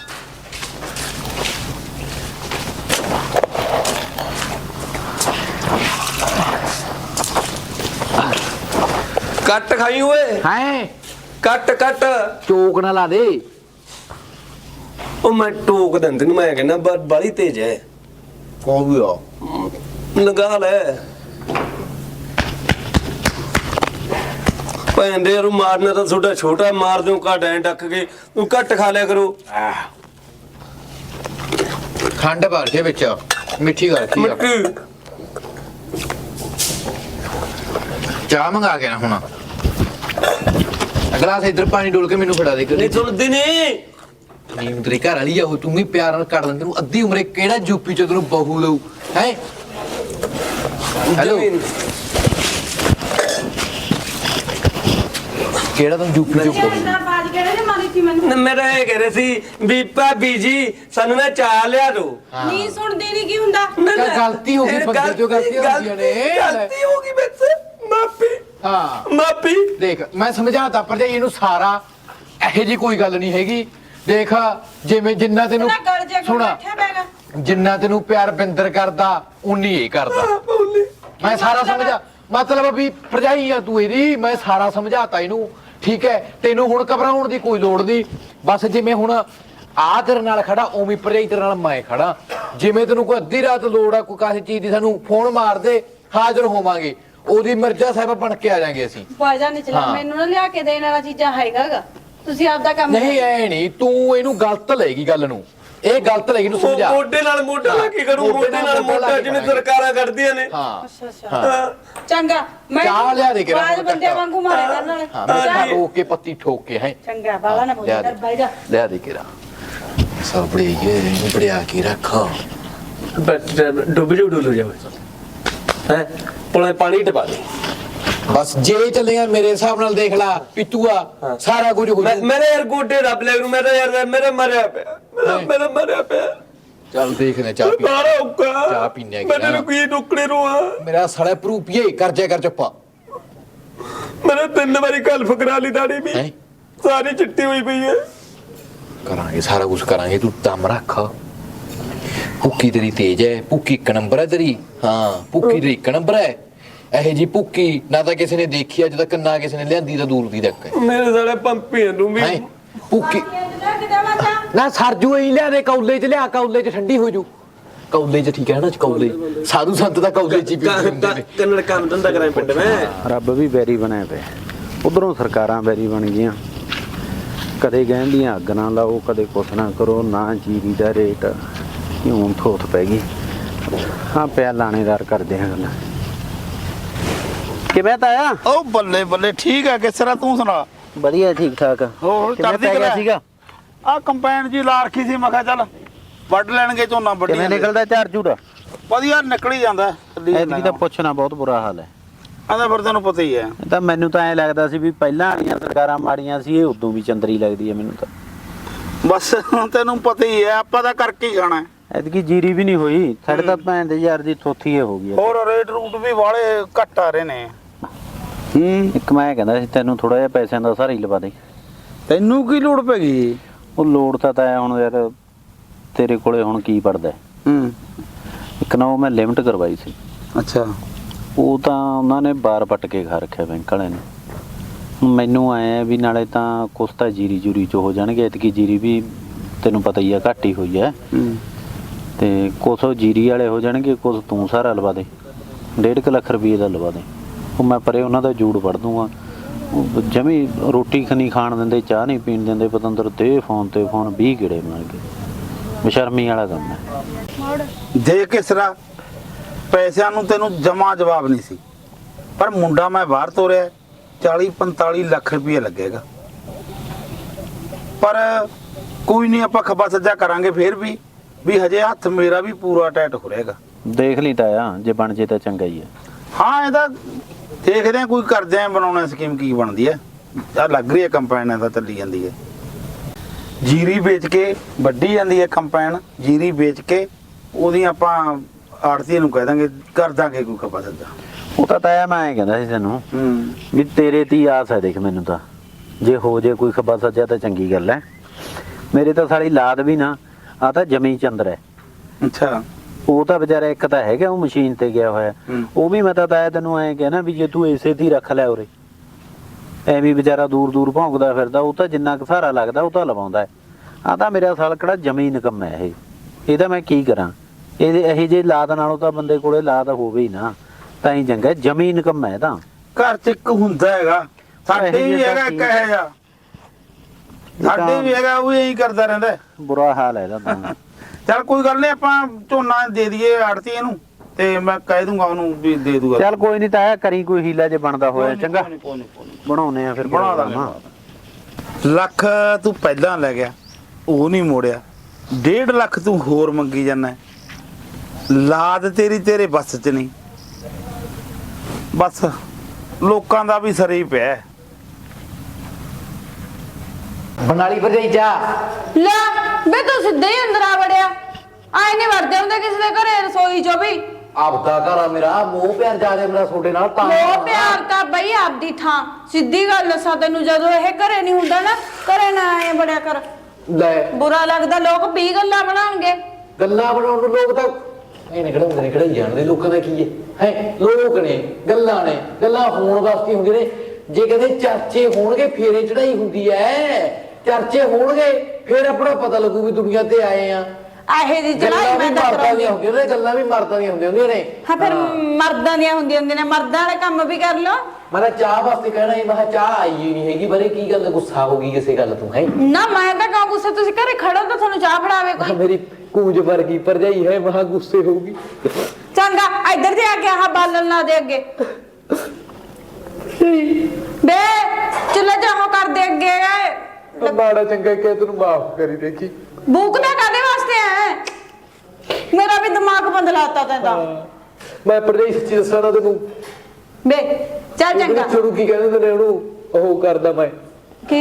कट खाई हुए,
ਹੈ
कट कट।
ਚੋਕ ਨਾ ਲਾ ਦੇ।
ओ मैं टोक दंद नु, मैं कहना बड़ी तेज है।
ਕੌਣ ਵੀ ਆ
लगा ले ਭੈਣ ਦੇ ਯਾਰ, ਮਾਰਨਾ ਤਾਂ ਛੋਟਾ ਛੋਟਾ ਮਾਰ ਦਿਓ, ਘੱਟ ਐ ਡੱਕ ਕੇ। ਤੂੰ ਘੱਟ ਖਾ ਲਿਆ ਕਰੋ।
ਖੰਡ ਭਰ ਕੇ ਵਿੱਚ ਮਿੱਠੀ ਕਰ ਰੱਖੀ ਆ।
ਮਿੱਟੀ
ਚਾਹ ਮੰਗਾ ਕੇ ਨਾ ਹੁਣ ਗਲਾਸ ਇਧਰ ਪਾਣੀ ਡੋਲ ਕੇ ਮੈਨੂੰ ਫੜਾ ਦੇ।
ਨਹੀਂ ਸੁਣਦੀ ਨਹੀਂ।
ਨੀਮ ਤੇਰੀ ਘਰ ਵਾਲੀ ਆ, ਉਹ ਤੂੰ ਵੀ ਪਿਆਰ ਨਾਲ ਕਰ ਲੈਂਦੇ। ਤੈਨੂੰ ਅੱਧੀ ਉਮਰੇ ਕਿਹੜਾ ਯੂਪੀ ਚ ਤੈਨੂੰ ਬਹੂ ਲਊ ਹੈ? ਹੈਲੋ,
ਜ਼ਮੀਨ।
ਕਿਹੜਾ ਤੈਨੂੰ ਯੂਪੀ ਚ ਬਹੂ?
ਬਾਜ ਕਿਹੜੇ ਨੇ ਮਾਰੀ ਸੀ ਮੈਨੂੰ?
ਮੇਰਾ ਇਹ ਕਹਿ ਰਹੇ ਸੀ ਵੀ ਭਾਬੀ ਜੀ ਸਾਨੂੰ ਨਾ ਚਾਹ ਲਿਆ ਦੋ।
ਨਹੀਂ ਸੁਣਦੀ ਨਹੀਂ ਕੀ ਹੁੰਦਾ।
ਕਿਆ ਗਲਤੀ ਹੋ ਗਈ, ਬੰਦੇ ਤੋਂ ਗਲਤੀਆਂ ਹੁੰਦੀਆਂ ਨੇ।
ਗਲਤੀ ਹੋ ਗਈ ਮੇਰੇ ਮਾਫੀ।
ਹਾਂ
ਮਾਫੀ।
ਦੇਖ ਮੈਂ ਸਮਝਾਤਾ ਭਰਜਾਈ ਇਹਨੂੰ ਸਾਰਾ, ਇਹੋ ਜੀ ਕੋਈ ਗੱਲ ਨਹੀਂ ਹੈਗੀ। ਦੇਖ ਜਿਵੇਂ ਜਿੰਨਾ ਤੈਨੂੰ
ਨਾ ਗਲ ਜੇ ਕੋ
ਸੁਣਾ,
ਬੈਠਿਆ ਬੈਗਾ।
ਜਿੰਨਾ ਤੈਨੂੰ ਪਿਆਰ ਬਿੰਦਰ ਕਰਦਾ ਉਨੀ ਇਹ ਕਰਦਾ। ਮੈਂ ਸਾਰਾ ਸਮਝਾ, ਮਤਲਬ ਵੀ ਭਰਜਾਈ ਆ ਤੂੰ ਇਹਦੀ, ਮੈਂ ਸਾਰਾ ਸਮਝਾਤਾ ਇਹਨੂੰ। ਠੀਕ ਹੈ, ਤੈਨੂੰ ਹੁਣ ਘਬਰਾਉਣ ਦੀ ਕੋਈ ਲੋੜ ਨਹੀਂ। ਬਸ ਜਿਵੇਂ ਹੁਣ ਆ ਤੇਰੇ ਨਾਲ ਖੜਾ, ਉਵੇਂ ਭਰਜਾਈ ਤੇਰੇ ਨਾਲ ਮੈਂ ਖੜਾ। ਜਿਵੇਂ ਤੈਨੂੰ ਕੋਈ ਅੱਧੀ ਰਾਤ ਲੋੜ ਆ ਕੋਈ ਕਾਹੀ ਚੀਜ਼ ਦੀ, ਸਾਨੂੰ ਫੋਨ ਮਾਰ ਦੇ, ਹਾਜ਼ਰ ਹੋਵਾਂਗੇ। ਉਹਦੀ ਮਿਰਜ਼ਾ ਸਾਹਿਬ ਬਣ ਕੇ ਆ ਜਾਾਂਗੇ ਅਸੀਂ।
ਬਾਜਾ ਨਹੀਂ ਚਲਾ,
ਹਾਂ।
ਮੈਨੂੰ ਨਾ ਲਿਆ ਕੇ ਦੇਣ ਵਾਲਾ ਚੀਜ਼ਾਂ ਹੈਗਾਗਾ। ਤੁਸੀਂ ਆਪਦਾ ਕੰਮ
ਨਹੀਂ ਐ ਨਹੀਂ, ਤੂੰ ਇਹਨੂੰ ਗਲਤ ਲੈਗੀ ਗੱਲ ਨੂੰ। ਇਹ ਗਲਤ ਲੈਗੀ ਨੂੰ ਸਮਝਾ।
ਮੋਢੇ ਨਾਲ ਮੋਢਾ ਲਾ ਕੇ ਕਰੂੰ, ਮੋਢੇ ਨਾਲ ਮੋਢਾ ਜਿਵੇਂ ਸਰਕਾਰਾਂ ਕਰਦੀਆਂ ਨੇ।
ਹਾਂ
ਅੱਛਾ ਅੱਛਾ
ਹਾਂ।
ਚੰਗਾ, ਮੈਂ
ਚਾਹ ਲਿਆ ਦੇ ਕੇ
ਬਾਜ ਬੰਦੇ ਵਾਂਗੂ ਮਾਰੇ ਕਰਨ ਵਾਲੇ।
ਹਾਂ, ਮੈਂ ਠੋਕ ਕੇ ਪੱਤੀ ਠੋਕ ਕੇ ਹੈ।
ਚੰਗਾ, ਬਾਲਾ ਨਾ ਬੋਲ ਕਰ ਬਾਈ ਜਾ।
ਲਿਆ ਦੇ ਕੇ ਰਾ ਸਬੜੇ ਇਹ ਬੜਿਆ ਕੇ ਰੱਖੋ।
ਡੁੱਬ ਜਾਓ ਹੈ, ਪੁਣੇ ਪਾਣੀ ਟਪਾ ਦੇ।
ਬਸ ਜੇ ਚੱਲੇਗਾ ਮੇਰੇ ਹਿਸਾਬ ਨਾਲ ਦੇਖ ਲਾ ਪਿੱਤੂਆ, ਸਾਰਾ ਕੁਝ ਹੋ ਜਾਊ।
ਮੇਰੇ ਯਾਰ ਗੋਡੇ ਰੱਬ ਲੈ ਨੂੰ, ਮੇਰਾ ਯਾਰ ਮੇਰਾ ਮਰਿਆ ਪਿਆ, ਮੇਰਾ ਮਰਿਆ ਪਿਆ।
ਚੱਲ ਦੇਖਦੇ ਚਾਹ ਪੀ।
ਬਾਰਾ ਉੱਕਾ
ਚਾਹ ਪੀਨੇ ਆ
ਮੈਨੂੰ ਕੋਈ ਟੁਕੜੇ ਰੋਆ।
ਮੇਰਾ ਸਾਲਾ ਪ੍ਰੂਪੀਏ ਕਰ ਜਾ ਕਰ ਚੁੱਪਾ।
ਮੇਰੇ 3 ਵਾਰੀ ਕਲਫ ਕਰਾ ਲਈ, ਦਾੜੀ ਵੀ
ਹੈਂ?
ਸਾਰੀ ਚਿੱਟੀ ਹੋਈ ਪਈ ਹੈ।
ਕਰਾਂਗੇ ਸਾਰਾ ਕੁਝ ਕਰਾਂਗੇ, ਤੂੰ ਦਮ ਰੱਖ। ਭੁੱਕੀ ਤੇਰੀ ਤੇਜ ਹੈ, ਭੁੱਕੀ ਇੱਕ ਨੰਬਰ ਹੈ ਤੇਰੀ। ਹਾਂ ਭੁੱਕੀ ਤੇਰੀ ਇੱਕ ਨੰਬਰ ਹੈ। ਇਹੋ ਜੀ ਭੁੱਕੀ ਨਾ ਤਾਂ ਕਿਸੇ ਨੇ ਦੇਖੀ ਅੱਜ ਤੱਕ, ਨਾ ਕਿਸੇ ਨੇ ਲਿਆਂਦੀ ਤਾਂ ਦੂਰ ਦੀ ਤੱਕ ਹੈ।
ਮੇਰੇ ਸਾਲੇ ਪੰਪੀਆਂ ਨੂੰ ਵੀ
ਹੈਂ? ਭੁੱਕੀ
ਕਿਤੇ ਵਾਚਾ
ਨਾ ਸਰਜੂ ਹੀ ਲਿਆ ਦੇ, ਕੌਲੇ ਚ ਲਿਆ, ਕੌਲੇ ਚ ਠੰਡੀ ਹੋ ਜੂ। ਕੌਲੇ ਚ ਠੀਕ ਹੈ ਨਾ, ਕੌਲੇ ਸਾਧੂ ਸੰਤ ਦਾ ਕੌਲੇ ਚ ਹੀ ਪੀਂਦੇ ਹੁੰਦੇ ਨੇ।
ਕੰਨੜ ਕੰਮ ਧੰਦਾ ਕਰਾਂ ਪਿੰਡ ਮੈਂ।
ਰੱਬ ਵੀ ਵੈਰੀ ਬਣਿਆ ਪਿਆ, ਉਧਰੋਂ ਸਰਕਾਰਾਂ ਵੈਰੀ ਬਣ ਗਈਆਂ। ਕਦੇ ਕਹਿੰਦੀਆਂ ਅੱਗ ਨਾ ਲਾਓ, ਕਦੇ ਕੁਛ ਨਾ ਕਰੋ, ਨਾ ਜੀਰੀ ਦਾ ਰੇਟ ਹੁਣ ਥੋਥ ਪੈ ਗਈ। ਹਾਂ ਪਿਆ ਲਾਣੇਦਾਰ ਕਰਦੇ ਆ ਗੱਲਾਂ। ਕਿਵੇਂ ਤਾਇਆ?
ਉਹ ਬੱਲੇ ਬੱਲੇ ਠੀਕ ਆ, ਕਿਸ ਤਰ੍ਹਾਂ ਤੂੰ ਸੁਣਾ?
ਵਧੀਆ ਠੀਕ ਠਾਕ।
ਹੋਰ
ਕਿਵੇਂ
ਕਰਦੀ
ਪੈ ਗਿਆ
ਕਰਿਆ?
ਸੀਗਾ?
ਆ ਕੰਪੈਨ ਜੀ ਲਾ ਰੱਖੀ ਸੀ, ਮੈਂ ਕਿਹਾ ਚੱਲ ਵੱਢ ਲੈਣਗੇ ਝੋਨਾ ਵੱਢੀ
ਕਿਵੇਂ ਨਿਕਲਦਾ ਝਾੜ ਝੂੜਾ?
ਵਧੀਆ ਨਿਕਲ ਹੀ ਜਾਂਦਾ।
ਐਤਕੀ ਤਾਂ ਪੁੱਛਣਾ ਬਹੁਤ ਬੁਰਾ ਹਾਲ ਹੈ।
ਆਂਦਾ ਫਿਰ ਤੈਨੂੰ ਪਤਾ ਹੀ ਹੈ।
ਇਹ ਤਾਂ ਮੈਨੂੰ ਤਾਂ ਐ ਲੱਗਦਾ ਸੀ ਵੀ ਪਹਿਲਾਂ ਵਾਲੀਆਂ ਸਰਕਾਰਾਂ ਮਾੜੀਆਂ ਸੀ, ਇਹ ਉਦੋਂ ਵੀ ਚੰਦਰੀ ਲੱਗਦੀ ਹੈ ਮੈਨੂੰ ਤਾਂ।
ਬਸ ਤੈਨੂੰ ਪਤਾ ਹੀ ਹੈ, ਆਪਾਂ ਤਾਂ ਕਰਕੇ ਹੀ ਖਾਣਾ।
ਐਤਕੀ ਜੀਰੀ ਵੀ ਨਹੀਂ ਹੋਈ ਸਾਡੇ ਤਾਂ, ਭੈਣ ਦੇ ਯਾਰ ਦੀ ਥੋਥੀ ਇਹ ਹੋ ਗਈ ਹੈ।
ਹੋਰ ਰੇਟ ਰੂਟ ਵੀ ਵਾਲੇ ਘੱਟ ਆ ਰਹੇ ਨੇ।
ਇੱਕ ਮੈਂ ਕਹਿੰਦਾ ਸੀ ਤੈਨੂੰ ਥੋੜਾ ਜਿਹਾ ਪੈਸਿਆਂ ਦਾ ਸਹਾਰਾ ਹੀ ਲਵਾ ਦੇ।
ਤੈਨੂੰ ਕੀ ਲੋੜ ਪੈ ਗਈ?
ਉਹ ਲੋੜ ਤਾਂ ਐ ਹੁਣ ਯਾਰ ਤੇਰੇ ਕੋਲੇ ਹੁਣ ਕੀ ਪੜਦਾ। ਇੱਕ ਨਾ ਉਹ ਮੈਂ ਲਿਮਟ ਕਰਵਾਈ ਸੀ।
ਅੱਛਾ।
ਉਹ ਤਾਂ ਉਹਨਾਂ ਨੇ ਬਾਰ ਪੱਟ ਕੇ ਖਾ ਰੱਖਿਆ ਬੈਂਕ ਵਾਲਿਆਂ ਨੇ। ਮੈਨੂੰ ਆਏ ਵੀ ਨਾਲੇ ਤਾਂ ਕੁਛ ਤਾਂ ਜੀਰੀ ਜੂਰੀ ਚ ਹੋ ਜਾਣਗੇ, ਇਤਕੀ ਜੀਰੀ ਵੀ ਤੈਨੂੰ ਪਤਾ ਹੀ ਆ ਘੱਟ ਹੀ ਹੋਈ ਹੈ, ਤੇ ਕੁਛ ਜੀਰੀ ਵਾਲੇ ਹੋ ਜਾਣਗੇ, ਕੁਛ ਤੂੰ ਸਾਰਾ ਲਵਾ ਦੇ, 1.5 ਲੱਖ ਰੁਪਏ ਦਾ ਲਵਾ ਦੇ। ਉਹ ਮੈਂ ਪਰੇ ਉਹਨਾਂ ਦਾ ਜੂੜ ਵੜ ਦੂੰਗਾ। ਜਮੀ ਰੋਟੀ ਖਣੀ ਖਾਣ ਦਿੰਦੇ, ਚਾਹ ਨਹੀਂ ਪੀਣ ਦਿੰਦੇ, ਪਤੰਦਰ ਦੇ ਫੋਨ ਤੇ ਫੋਨ 20 ਗੇੜੇ ਮਾਰ ਕੇ, ਬੇਸ਼ਰਮੀ ਵਾਲਾ ਕੰਮ ਹੈ।
ਦੇ ਕਿਸਰਾ ਪੈਸਿਆਂ ਨੂੰ ਤੈਨੂੰ ਜਮਾ ਜਵਾਬ ਨਹੀਂ ਸੀ, ਪਰ ਮੁੰਡਾ ਮੈਂ ਬਾਹਰ ਤੋਰਿਆ, 40-45 ਲੱਖ ਰੁਪਏ ਲੱਗੇਗਾ। ਪਰ ਕੋਈ ਨਹੀਂ, ਆਪਾਂ ਖੱਬਾ ਸੱਜਾ ਕਰਾਂਗੇ ਫੇਰ ਵੀ ਹਜੇ ਹੱਥ ਮੇਰਾ ਵੀ ਪੂਰਾ ਟਾਈਟ ਹੋ ਰਹੇਗਾ।
ਦੇਖ ਲਈ ਤਾਇਆ, ਜੇ ਬਣ ਜੇ ਤਾਂ ਚੰਗਾ ਹੀ ਹੈ।
ਹਾਂ ਇਹਦਾ ਦੇਖਦੇ ਆ, ਕੋਈ ਕਰਦੇ ਆ ਬਣਾਉਣਾ ਸਕੀਮ ਕੀ ਬਣਦੀ ਹੈ। ਆ ਲੱਗ ਰਹੀ ਹੈ ਕੰਪਾਈਨ ਤਾਂ ਚੱਲੀ ਜਾਂਦੀ ਹੈ, ਜੀਰੀ ਵੇਚ ਕੇ ਵੱਢੀ ਜਾਂਦੀ ਹੈ ਕੰਪਾਈਨ, ਜੀਰੀ ਵੇਚ ਕੇ ਉਹਦੀ ਆਪਾਂ ਆੜਤੀ ਨੂੰ ਕਹਿ ਦਾਂਗੇ, ਕਰ ਦਾਂਗੇ ਕੋਈ ਖੱਬਾ ਸੱਜਾ।
ਉਹ ਤਾਂ ਤਾਇਆ ਮੈਂ ਐਂ ਕਹਿੰਦਾ ਸੀ ਤੈਨੂੰ ਵੀ ਤੇਰੇ ਤੇ ਹੀ ਆਸ ਹੈ। ਦੇਖ ਮੈਨੂੰ ਤਾਂ ਜੇ ਹੋ ਜੇ ਕੋਈ ਖੱਬਾ ਸੱਜਾ ਤਾਂ ਚੰਗੀ ਗੱਲ ਹੈ। ਮੇਰੇ ਤਾਂ ਸਾਲੀ ਲਾਦ ਵੀ ਨਾ, ਆ ਤਾਂ ਜਮੀ ਚੰਦਰ ਹੈ।
ਅੱਛਾ,
ਉਹ ਤਾਂ ਵਿਚਾਰਾ ਇੱਕ ਤਾਂ ਹੈਗਾ, ਉਹ ਮਸ਼ੀਨ ਤੇ ਗਿਆ ਹੋਇਆ, ਉਹ ਵੀ ਮੈਂ ਤਾਂ ਤਾਇਆ ਤੈਨੂੰ ਐਂ ਕਹਿਣਾ ਵੀ ਜੇ ਤੂੰ ਇਸੇ ਦੀ ਰੱਖ ਲੈ ਉਰੇ, ਐਵੇਂ ਵਿਚਾਰਾ ਦੂਰ ਦੂਰ ਭੌਂਕਦਾ ਫਿਰਦਾ, ਉਹ ਤਾਂ ਜਿੰਨਾ ਕੁ ਸਹਾਰਾ ਲੱਗਦਾ ਉਹ ਤਾਂ ਲਵਾਉਂਦਾ ਹੈ। ਆ ਤਾਂ ਮੇਰਾ ਸਾਲ ਕਿਹੜਾ ਜਮੀ ਨਿਕੰਮ ਹੈ ਇਹ, ਇਹਦਾ ਮੈਂ ਕੀ ਕਰਾਂ। ਇਹ ਜੇ ਲਾਦ ਨਾਲੋਂ ਤਾਂ ਬੰਦੇ ਕੋਲੇ ਲਾਦ ਹੋਵੇ ਹੀ ਨਾ, ਤਾਂ ਹੀ ਚੰਗਾ। ਜਮੀ ਨਿਕੰਮ ਹੈ ਤਾਂ
ਘਰ ਚ ਇੱਕ ਹੁੰਦਾ ਹੈਗਾ, ਸਾਡੇ ਵੀ ਹੈਗਾ ਇੱਕ ਇਹੋ ਜਿਹਾ, ਸਾਡੇ ਵੀ ਹੈਗਾ, ਉਹ ਇਹੀ ਕਰਦਾ ਰਹਿੰਦਾ।
ਬੁਰਾ ਹਾਲ ਹੈ ਇਹਦਾ ਤਾਂ।
ਚੱਲ ਕੋਈ ਗੱਲ ਨਹੀਂ, ਆਪਾਂ ਝੋਨਾ ਦੇ ਦਈਏ ਆੜਤੀ ਇਹਨੂੰ, ਤੇ ਮੈਂ ਕਹਿ ਦੂੰਗਾ ਉਹਨੂੰ ਵੀ ਦੇ ਦੂਗਾ।
ਚੱਲ ਕੋਈ ਨਹੀਂ ਤਾਇਆ, ਕਰੀ ਕੋਈ ਹੀਲਾ ਜੇ ਬਣਦਾ ਹੋਇਆ ਚੰਗਾ, ਬਣਾਉਨੇ ਆ ਫਿਰ।
ਬਣਾ ਦਾਂਗੇ। ਲੱਖ ਤੂੰ ਪਹਿਲਾਂ ਲੈ ਗਿਆ, ਉਹ ਨਹੀਂ ਮੋੜਿਆ, 1.5 ਲੱਖ ਤੂੰ ਹੋਰ ਮੰਗੀ ਜਾਂਦਾ। ਲਾਦ ਤੇਰੇ ਬਸ ਚ ਨਹੀਂ, ਬਸ ਲੋਕਾਂ ਦਾ ਵੀ ਸਰੇ ਹੀ ਪਿਆ।
ਬਨਾਲੀ ਭਰਜਾਈ ਜਾ
ਲੈ ਬੇ ਤੂੰ ਸਿੱਧੇ ਹੀ ਅੰਦਰ ਆ ਵੜਿਆ, ਆਏ ਨਹੀਂ ਵੜਦੇ ਹੁੰਦੇ ਕਿਸੇ ਦੇ ਘਰੇ ਰਸੋਈ ਚੋਂ ਵੀ।
ਆਪਦਾ ਘਰ ਆ ਮੇਰਾ, ਮੋਹ ਪਿਆਰ ਜ਼ਿਆਦਾ ਮੇਰਾ ਤੁਹਾਡੇ ਨਾਲ ਤਾਂ।
ਮੋਹ ਪਿਆਰ ਤਾਂ ਬਈ ਆਪਦੀ ਥਾਂ, ਸਿੱਧੀ ਗੱਲ ਦੱਸਾਂ ਤੈਨੂੰ, ਜਦੋਂ ਇਹ ਘਰੇ ਨਹੀਂ ਹੁੰਦਾ ਨਾ, ਘਰੇ ਨਾ ਆਏ ਬੜਿਆ ਕਰ,
ਲੈ
ਬੁਰਾ ਲੱਗਦਾ। ਲੋਕ 20 ਗੱਲਾਂ ਬਣਾਉਣਗੇ,
ਗੱਲਾਂ ਬਣਾਉਣ ਨੂੰ ਲੋਕ ਤਾਂ ਇਹ ਨਿਕੜਾਈ ਜਾਣਦੇ। ਲੋਕਾਂ ਦਾ ਕੀ ਹੈ ਲੋਕ ਨੇ, ਗੱਲਾਂ ਨੇ, ਗੱਲਾਂ ਹੋਣ ਵਾਸਤੇ ਹੁੰਦੇ ਨੇ। ਜੇ ਕਹਿੰਦੇ ਚਰਚੇ ਹੋਣਗੇ ਫੇਰੇ ਚੜਾਈ ਹੁੰਦੀ ਐ, ਚਰਚੇ ਹੋਣਗੇ ਫੇਰ ਆਪਣਾ ਪਤਾ ਲੱਗੂ ਵੀ ਦੁਨੀਆ ਤੇ ਆਏ ਆ।
ਆਹੇ ਦੀ ਚੜਾਈ ਮੈਂ ਤਾਂ
ਕਰਾਂਗੀ। ਹੁੰਦੀਆਂ ਨੇ ਗੱਲਾਂ ਵੀ ਮਰਦਾਂ ਦੀਆਂ ਹੁੰਦੀਆਂ ਨੇ।
ਹਾਂ ਫਿਰ ਮਰਦਾਂ ਦੀਆਂ ਹੁੰਦੀਆਂ ਨੇ, ਮਰਦਾਂ ਵਾਲੇ ਕੰਮ ਵੀ ਕਰ ਲਓ।
ਮੈਂ ਚਾਹ ਵਾਸਤੇ ਕਹਿਣਾ ਸੀ, ਮੈਂ ਚਾਹ ਆਈ ਹੀ ਨਹੀਂ ਹੈਗੀ। ਬਾਰੇ ਕੀ ਗੱਲ, ਗੁੱਸਾ ਹੋ ਗਈ ਕਿਸੇ ਗੱਲ ਤੋਂ? ਹੈ
ਨਾ ਮੈਂ ਤਾਂ ਕਹਾਂ ਗੁੱਸੇ, ਤੁਸੀਂ ਘਰੇ ਖੜੋ ਤਾਂ ਤੁਹਾਨੂੰ ਚਾਹ ਫੜਾਵੇ ਕੋਈ।
ਮੇਰੀ ਕੂੰਜ ਵਰਗੀ ਭਰਜਾਈ ਹੈ, ਮਹਾ ਗੁੱਸੇ ਹੋਊਗੀ।
ਚੰਗਾ ਇੱਧਰ ਤੇ ਆ ਕੇ ਆਹ ਬਾਲਣ ਲਾ ਦੇ ਅੱਗੇ ਬੇ, ਚੁੱਲ੍ਹਾ ਜਾਹੋ ਕਰ ਦੇ ਅੱਗੇ।
ਮਾੜਾ ਚੰਗਾ ਕਹਿ ਤੈਨੂੰ ਮਾਫ ਕਰੀ ਦੇਖੀ।
ਭੂਕਦਾ ਕਾਦੇ ਵਾਸਤੇ ਹੈ? ਮੇਰਾ ਵੀ ਦਿਮਾਗ ਬੰਦ ਲਾਤਾ ਤੈਂ।
ਮੈਂ ਭਰਜਾਈ ਸੱਚੀ ਦੱਸਾਂ ਨਾ ਤੈਨੂੰ,
ਬੇ ਚੱਲ ਚੰਗਾ।
ਛੋੜੂ ਕੀ ਕਹਿੰਦੇ ਨੇ ਉਹਨੂੰ, ਉਹ ਕਰਦਾ ਮੈਂ
ਕੀ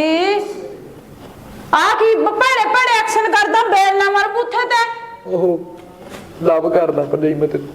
ਆ ਕੀ ਭੜੇ ਭੜੇ ਐਕਸ਼ਨ ਕਰਦਾ, ਬੇਲ ਨਾ ਮਾਰ ਬੁੱਥੇ ਤੇ।
ਉਹ ਲਵ ਕਰਦਾ ਭਰਜਾਈ ਮੈਂ ਤੈਨੂੰ।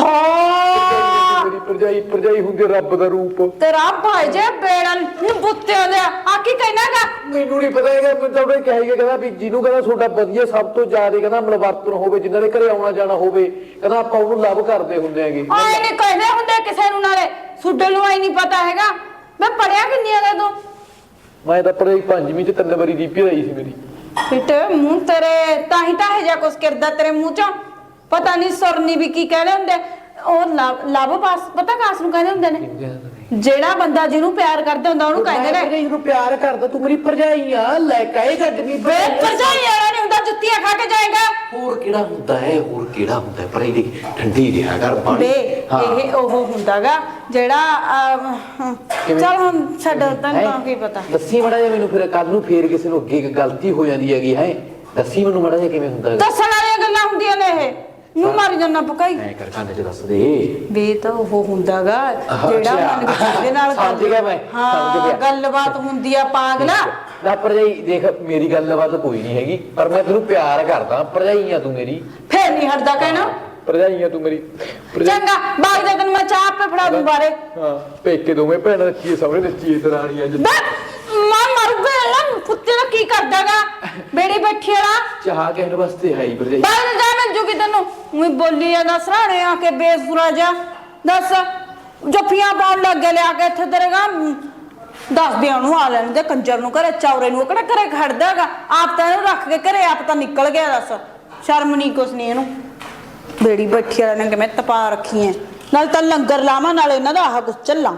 ਹਾਂ
ਮੇਰੀ ਭਰਜਾਈ ਹੁੰਦੀ ਰੱਬ ਦਾ ਰੂਪ।
ਤੇਰਾ ਭਾਈ ਜੇ ਬੇੜਨ ਬੁੱਤੇ ਦੇ ਆ ਕੀ ਕਹਿਣਾਗਾ?
ਮੈਨੂੰ ਨਹੀਂ ਪਤਾ ਹੈਗਾ, ਮੈਂ ਤਾਂ ਉਹਨੇ ਕਹਿੰਦਾ ਵੀ ਜਿਹਨੂੰ ਕਹਿੰਦਾ ਤੁਹਾਡਾ ਵਧੀਆ ਸਭ ਤੋਂ ਜ਼ਿਆਦਾ ਕਹਿੰਦਾ ਮਲਵਰਤਨ ਹੋਵੇ, ਜਿਨ੍ਹਾਂ ਦੇ ਘਰੇ ਆਉਣਾ ਜਾਣਾ ਹੋਵੇ, ਕਹਿੰਦਾ ਆਪਾਂ ਉਹਨੂੰ ਲਵ ਕਰਦੇ ਹੁੰਦੇ ਹੈਗੇ।
ਆਏ ਨਹੀਂ ਕਹਿੰਦੇ ਹੁੰਦੇ ਕਿਸੇ ਨੂੰ, ਨਾਲੇ ਸੁੱਡਲ ਨੂੰ ਆਈ ਨਹੀਂ ਪਤਾ ਹੈਗਾ। ਮੈਂ ਪੜਿਆ ਕਿੰਨੀ ਹੈਗਾ ਤੂੰ?
ਮੈਂ ਤਾਂ ਪੜ੍ਹਾਈ 5ਵੀਂ ਚ 3 ਵਾਰੀ ਦੀਪੀ ਆਈ ਸੀ ਮੇਰੀ।
ਫਿੱਟ ਮੂੰਹ ਤੇਰੇ, ਤਾਂ ਹੀ ਜਾ ਕੁਛ ਕਰਦਾ ਤੇਰੇ ਮੂੰਹ ਚੋਂ। ਪਤਾ ਨਹੀਂ ਸੁਰਨੀ ਵੀ ਕੀ ਕਹਿੰਦੇ ਹੁੰਦੇ, ਉਹ ਲਵ ਪਾਸ ਪਤਾ ਕਾਸ ਨੂੰ ਕਹਿੰਦੇ ਹੁੰਦੇ ਨੇ? ਜਿਹੜਾ ਬੰਦਾ ਜਿਹਨੂੰ ਪਿਆਰ ਕਰਦਾ ਹੁੰਦਾ ਉਹਨੂੰ ਕਹਿੰਦੇ ਨੇ।
ਜਿਹਨੂੰ ਪਿਆਰ ਕਰਦਾ, ਤੂੰ ਮੇਰੀ ਭਰਜਾਈ ਆ, ਲੈ ਕੇ ਛੱਡ ਵੀ।
ਬੇ ਭਰਜਾਈ ਵਾਲਾ ਨਹੀਂ ਹੁੰਦਾ, ਜੁੱਤੀਆਂ ਖਾ ਕੇ ਜਾਏਗਾ।
ਹੋਰ ਕਿਹੜਾ ਹੁੰਦਾ ਹੈ, ਹੋਰ ਕਿਹੜਾ ਹੁੰਦਾ ਹੈ? ਪੜ੍ਹਾਈ ਦੀ ਠੰਡੀ ਰਿਹਾ ਕਰ
ਬੇ, ਇਹ ਉਹ ਹੁੰਦਾਗਾ ਜਿਹੜਾ ਚੱਲ ਹੁਣ ਛੱਡ, ਤੈਨੂੰ ਤਾਂ ਕੀ ਪਤਾ।
ਦੱਸੀ ਮੜਾ ਜੇ ਮੈਨੂੰ, ਫਿਰ ਕੱਲ ਨੂੰ ਫੇਰ ਕਿਸੇ ਨੂੰ ਅੱਗੇ ਗਲਤੀ ਹੋ ਜਾਂਦੀ ਹੈਗੀ ਹੈ, ਦੱਸੀ ਮੈਨੂੰ ਮੜਾ ਜੇ ਕਿਵੇਂ ਹੁੰਦਾ।
ਦੱਸਣ ਵਾਲੀਆਂ ਗੱਲਾਂ ਹੁੰਦੀਆਂ ਨੇ ਇਹ, ਨੂੰ ਮਾਰੀ ਜਾਂਦਾ ਪਕਾਈ।
ਐ ਕਰ ਕੰਨ ਚ ਦੱਸ ਦੇ
ਬੇ ਤਾਂ ਉਹ ਹੁੰਦਾਗਾ ਜਿਹੜਾ ਮਨ ਦੇ ਨਾਲ
ਸਮਝ ਗਿਆ ਮੈਂ, ਸਮਝ ਗਿਆ।
ਗੱਲਬਾਤ ਹੁੰਦੀ ਆ ਪਾਗਲਾ।
ਨਾ ਭਰਜਾਈ ਦੇਖ, ਮੇਰੀ ਗੱਲਬਾਤ ਕੋਈ ਨਹੀਂ ਹੈਗੀ, ਪਰ ਮੈਂ ਤੈਨੂੰ ਪਿਆਰ ਕਰਦਾ। ਭਰਜਾਈ ਆ ਤੂੰ ਮੇਰੀ,
ਫੇਰ ਨਹੀਂ ਹਟਦਾ ਕਹਿਣਾ।
ਭਰਜਾਈ ਆ ਤੂੰ ਮੇਰੀ।
ਚੰਗਾ ਬਾਗ ਦੇ ਤੈਨੂੰ ਮੈਂ ਚਾਹ ਆਪੇ ਫੜਾ ਦੂੰ ਬਾਰੇ।
ਹਾਂ ਪੇਕੇ ਦੋਵੇਂ ਭੈਣਾਂ ਰੱਖੀਏ, ਸਭਰੇ ਰੱਖੀਏ ਦਰਾਣੀ ਅੱਜ।
ਮਾਂ ਮਰ ਗਿਆ ਕੁੱਤੇ ਦਾ ਕੀ ਕਰਦਾਗਾ ਬੇੜੀ ਬੈਠੀ ਵਾਲਾ।
ਚਾਹ ਕਹਿਣ ਵਾਸਤੇ ਹੈ ਭਰਜਾਈ।
ਬਾਗ ਜਾ ਮਿਲ ਜੂਗੀ ਤੈਨੂੰ। ਮੈਂ ਬੋਲੀ ਜਾਂਦਾ ਸਰਾਣੇ ਆ ਕੇ ਬੇਸੁਰਾ ਜਾ। ਦੱਸ ਜੱਫੀਆਂ ਪਾਉਣ ਲੱਗ ਗਿਆ ਲਿਆ ਕੇ ਇੱਥੇ ਤੇਰੇ ਗਾ ਦੱਸਦੇ ਉਹਨੂੰ ਆ ਲੈਣ ਦੇ ਕੰਜਰ ਨੂੰ ਘਰੇ ਚੌਰੇ ਨੂੰ, ਉਹ ਕਿਹੜਾ ਘਰੇ ਖੜਦਾ ਹੈਗਾ, ਆਪ ਤਾਂ ਇਹਨੂੰ ਰੱਖ ਕੇ ਘਰੇ ਆਪ ਤਾਂ ਨਿਕਲ ਗਿਆ। ਦੱਸ ਸ਼ਰਮ ਨਹੀਂ ਕੁਛ ਨਹੀਂ ਇਹਨੂੰ। ਬੇੜੀ ਬੈਠੀ ਵਾਲੇ ਨੇ ਕਿਵੇਂ ਤਪਾ ਰੱਖੀ ਐ, ਨਾਲ ਤਾਂ ਲੰਗਰ ਲਾਵਾਂ ਨਾਲ ਇਹਨਾਂ ਦਾ ਆਹ ਕੁਛ ਚੱਲਾਂ।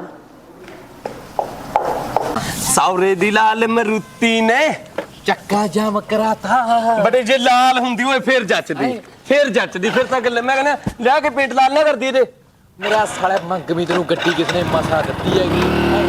ਸੌਰੇ ਦੀ ਲਾਲ ਮਰੂਤੀ ਨੇ
ਚੱਕਾ ਜਾਮ ਕਰਾਤਾ
ਬੜੇ ਜੇ ਲਾਲ ਹੁੰਦੀ ਓਏ ਫੇਰ ਜੱਚਦੀ, ਫੇਰ ਜੱਚਦੀ, ਫਿਰ ਤਾਂ ਗੱਲ ਮੈਂ ਕਹਿੰਦਾ ਲਿਆ ਕੇ ਪੇਂਟ ਲਾਲ ਨਾ ਕਰਦੀ ਇਹਦੇ।
ਮੇਰਾ ਸਾਲੇ ਮੰਗਮੀ ਤੈਨੂੰ ਗੱਡੀ ਕਿਸ ਨੇ ਮਸਾ ਦਿੱਤੀ ਹੈਗੀ।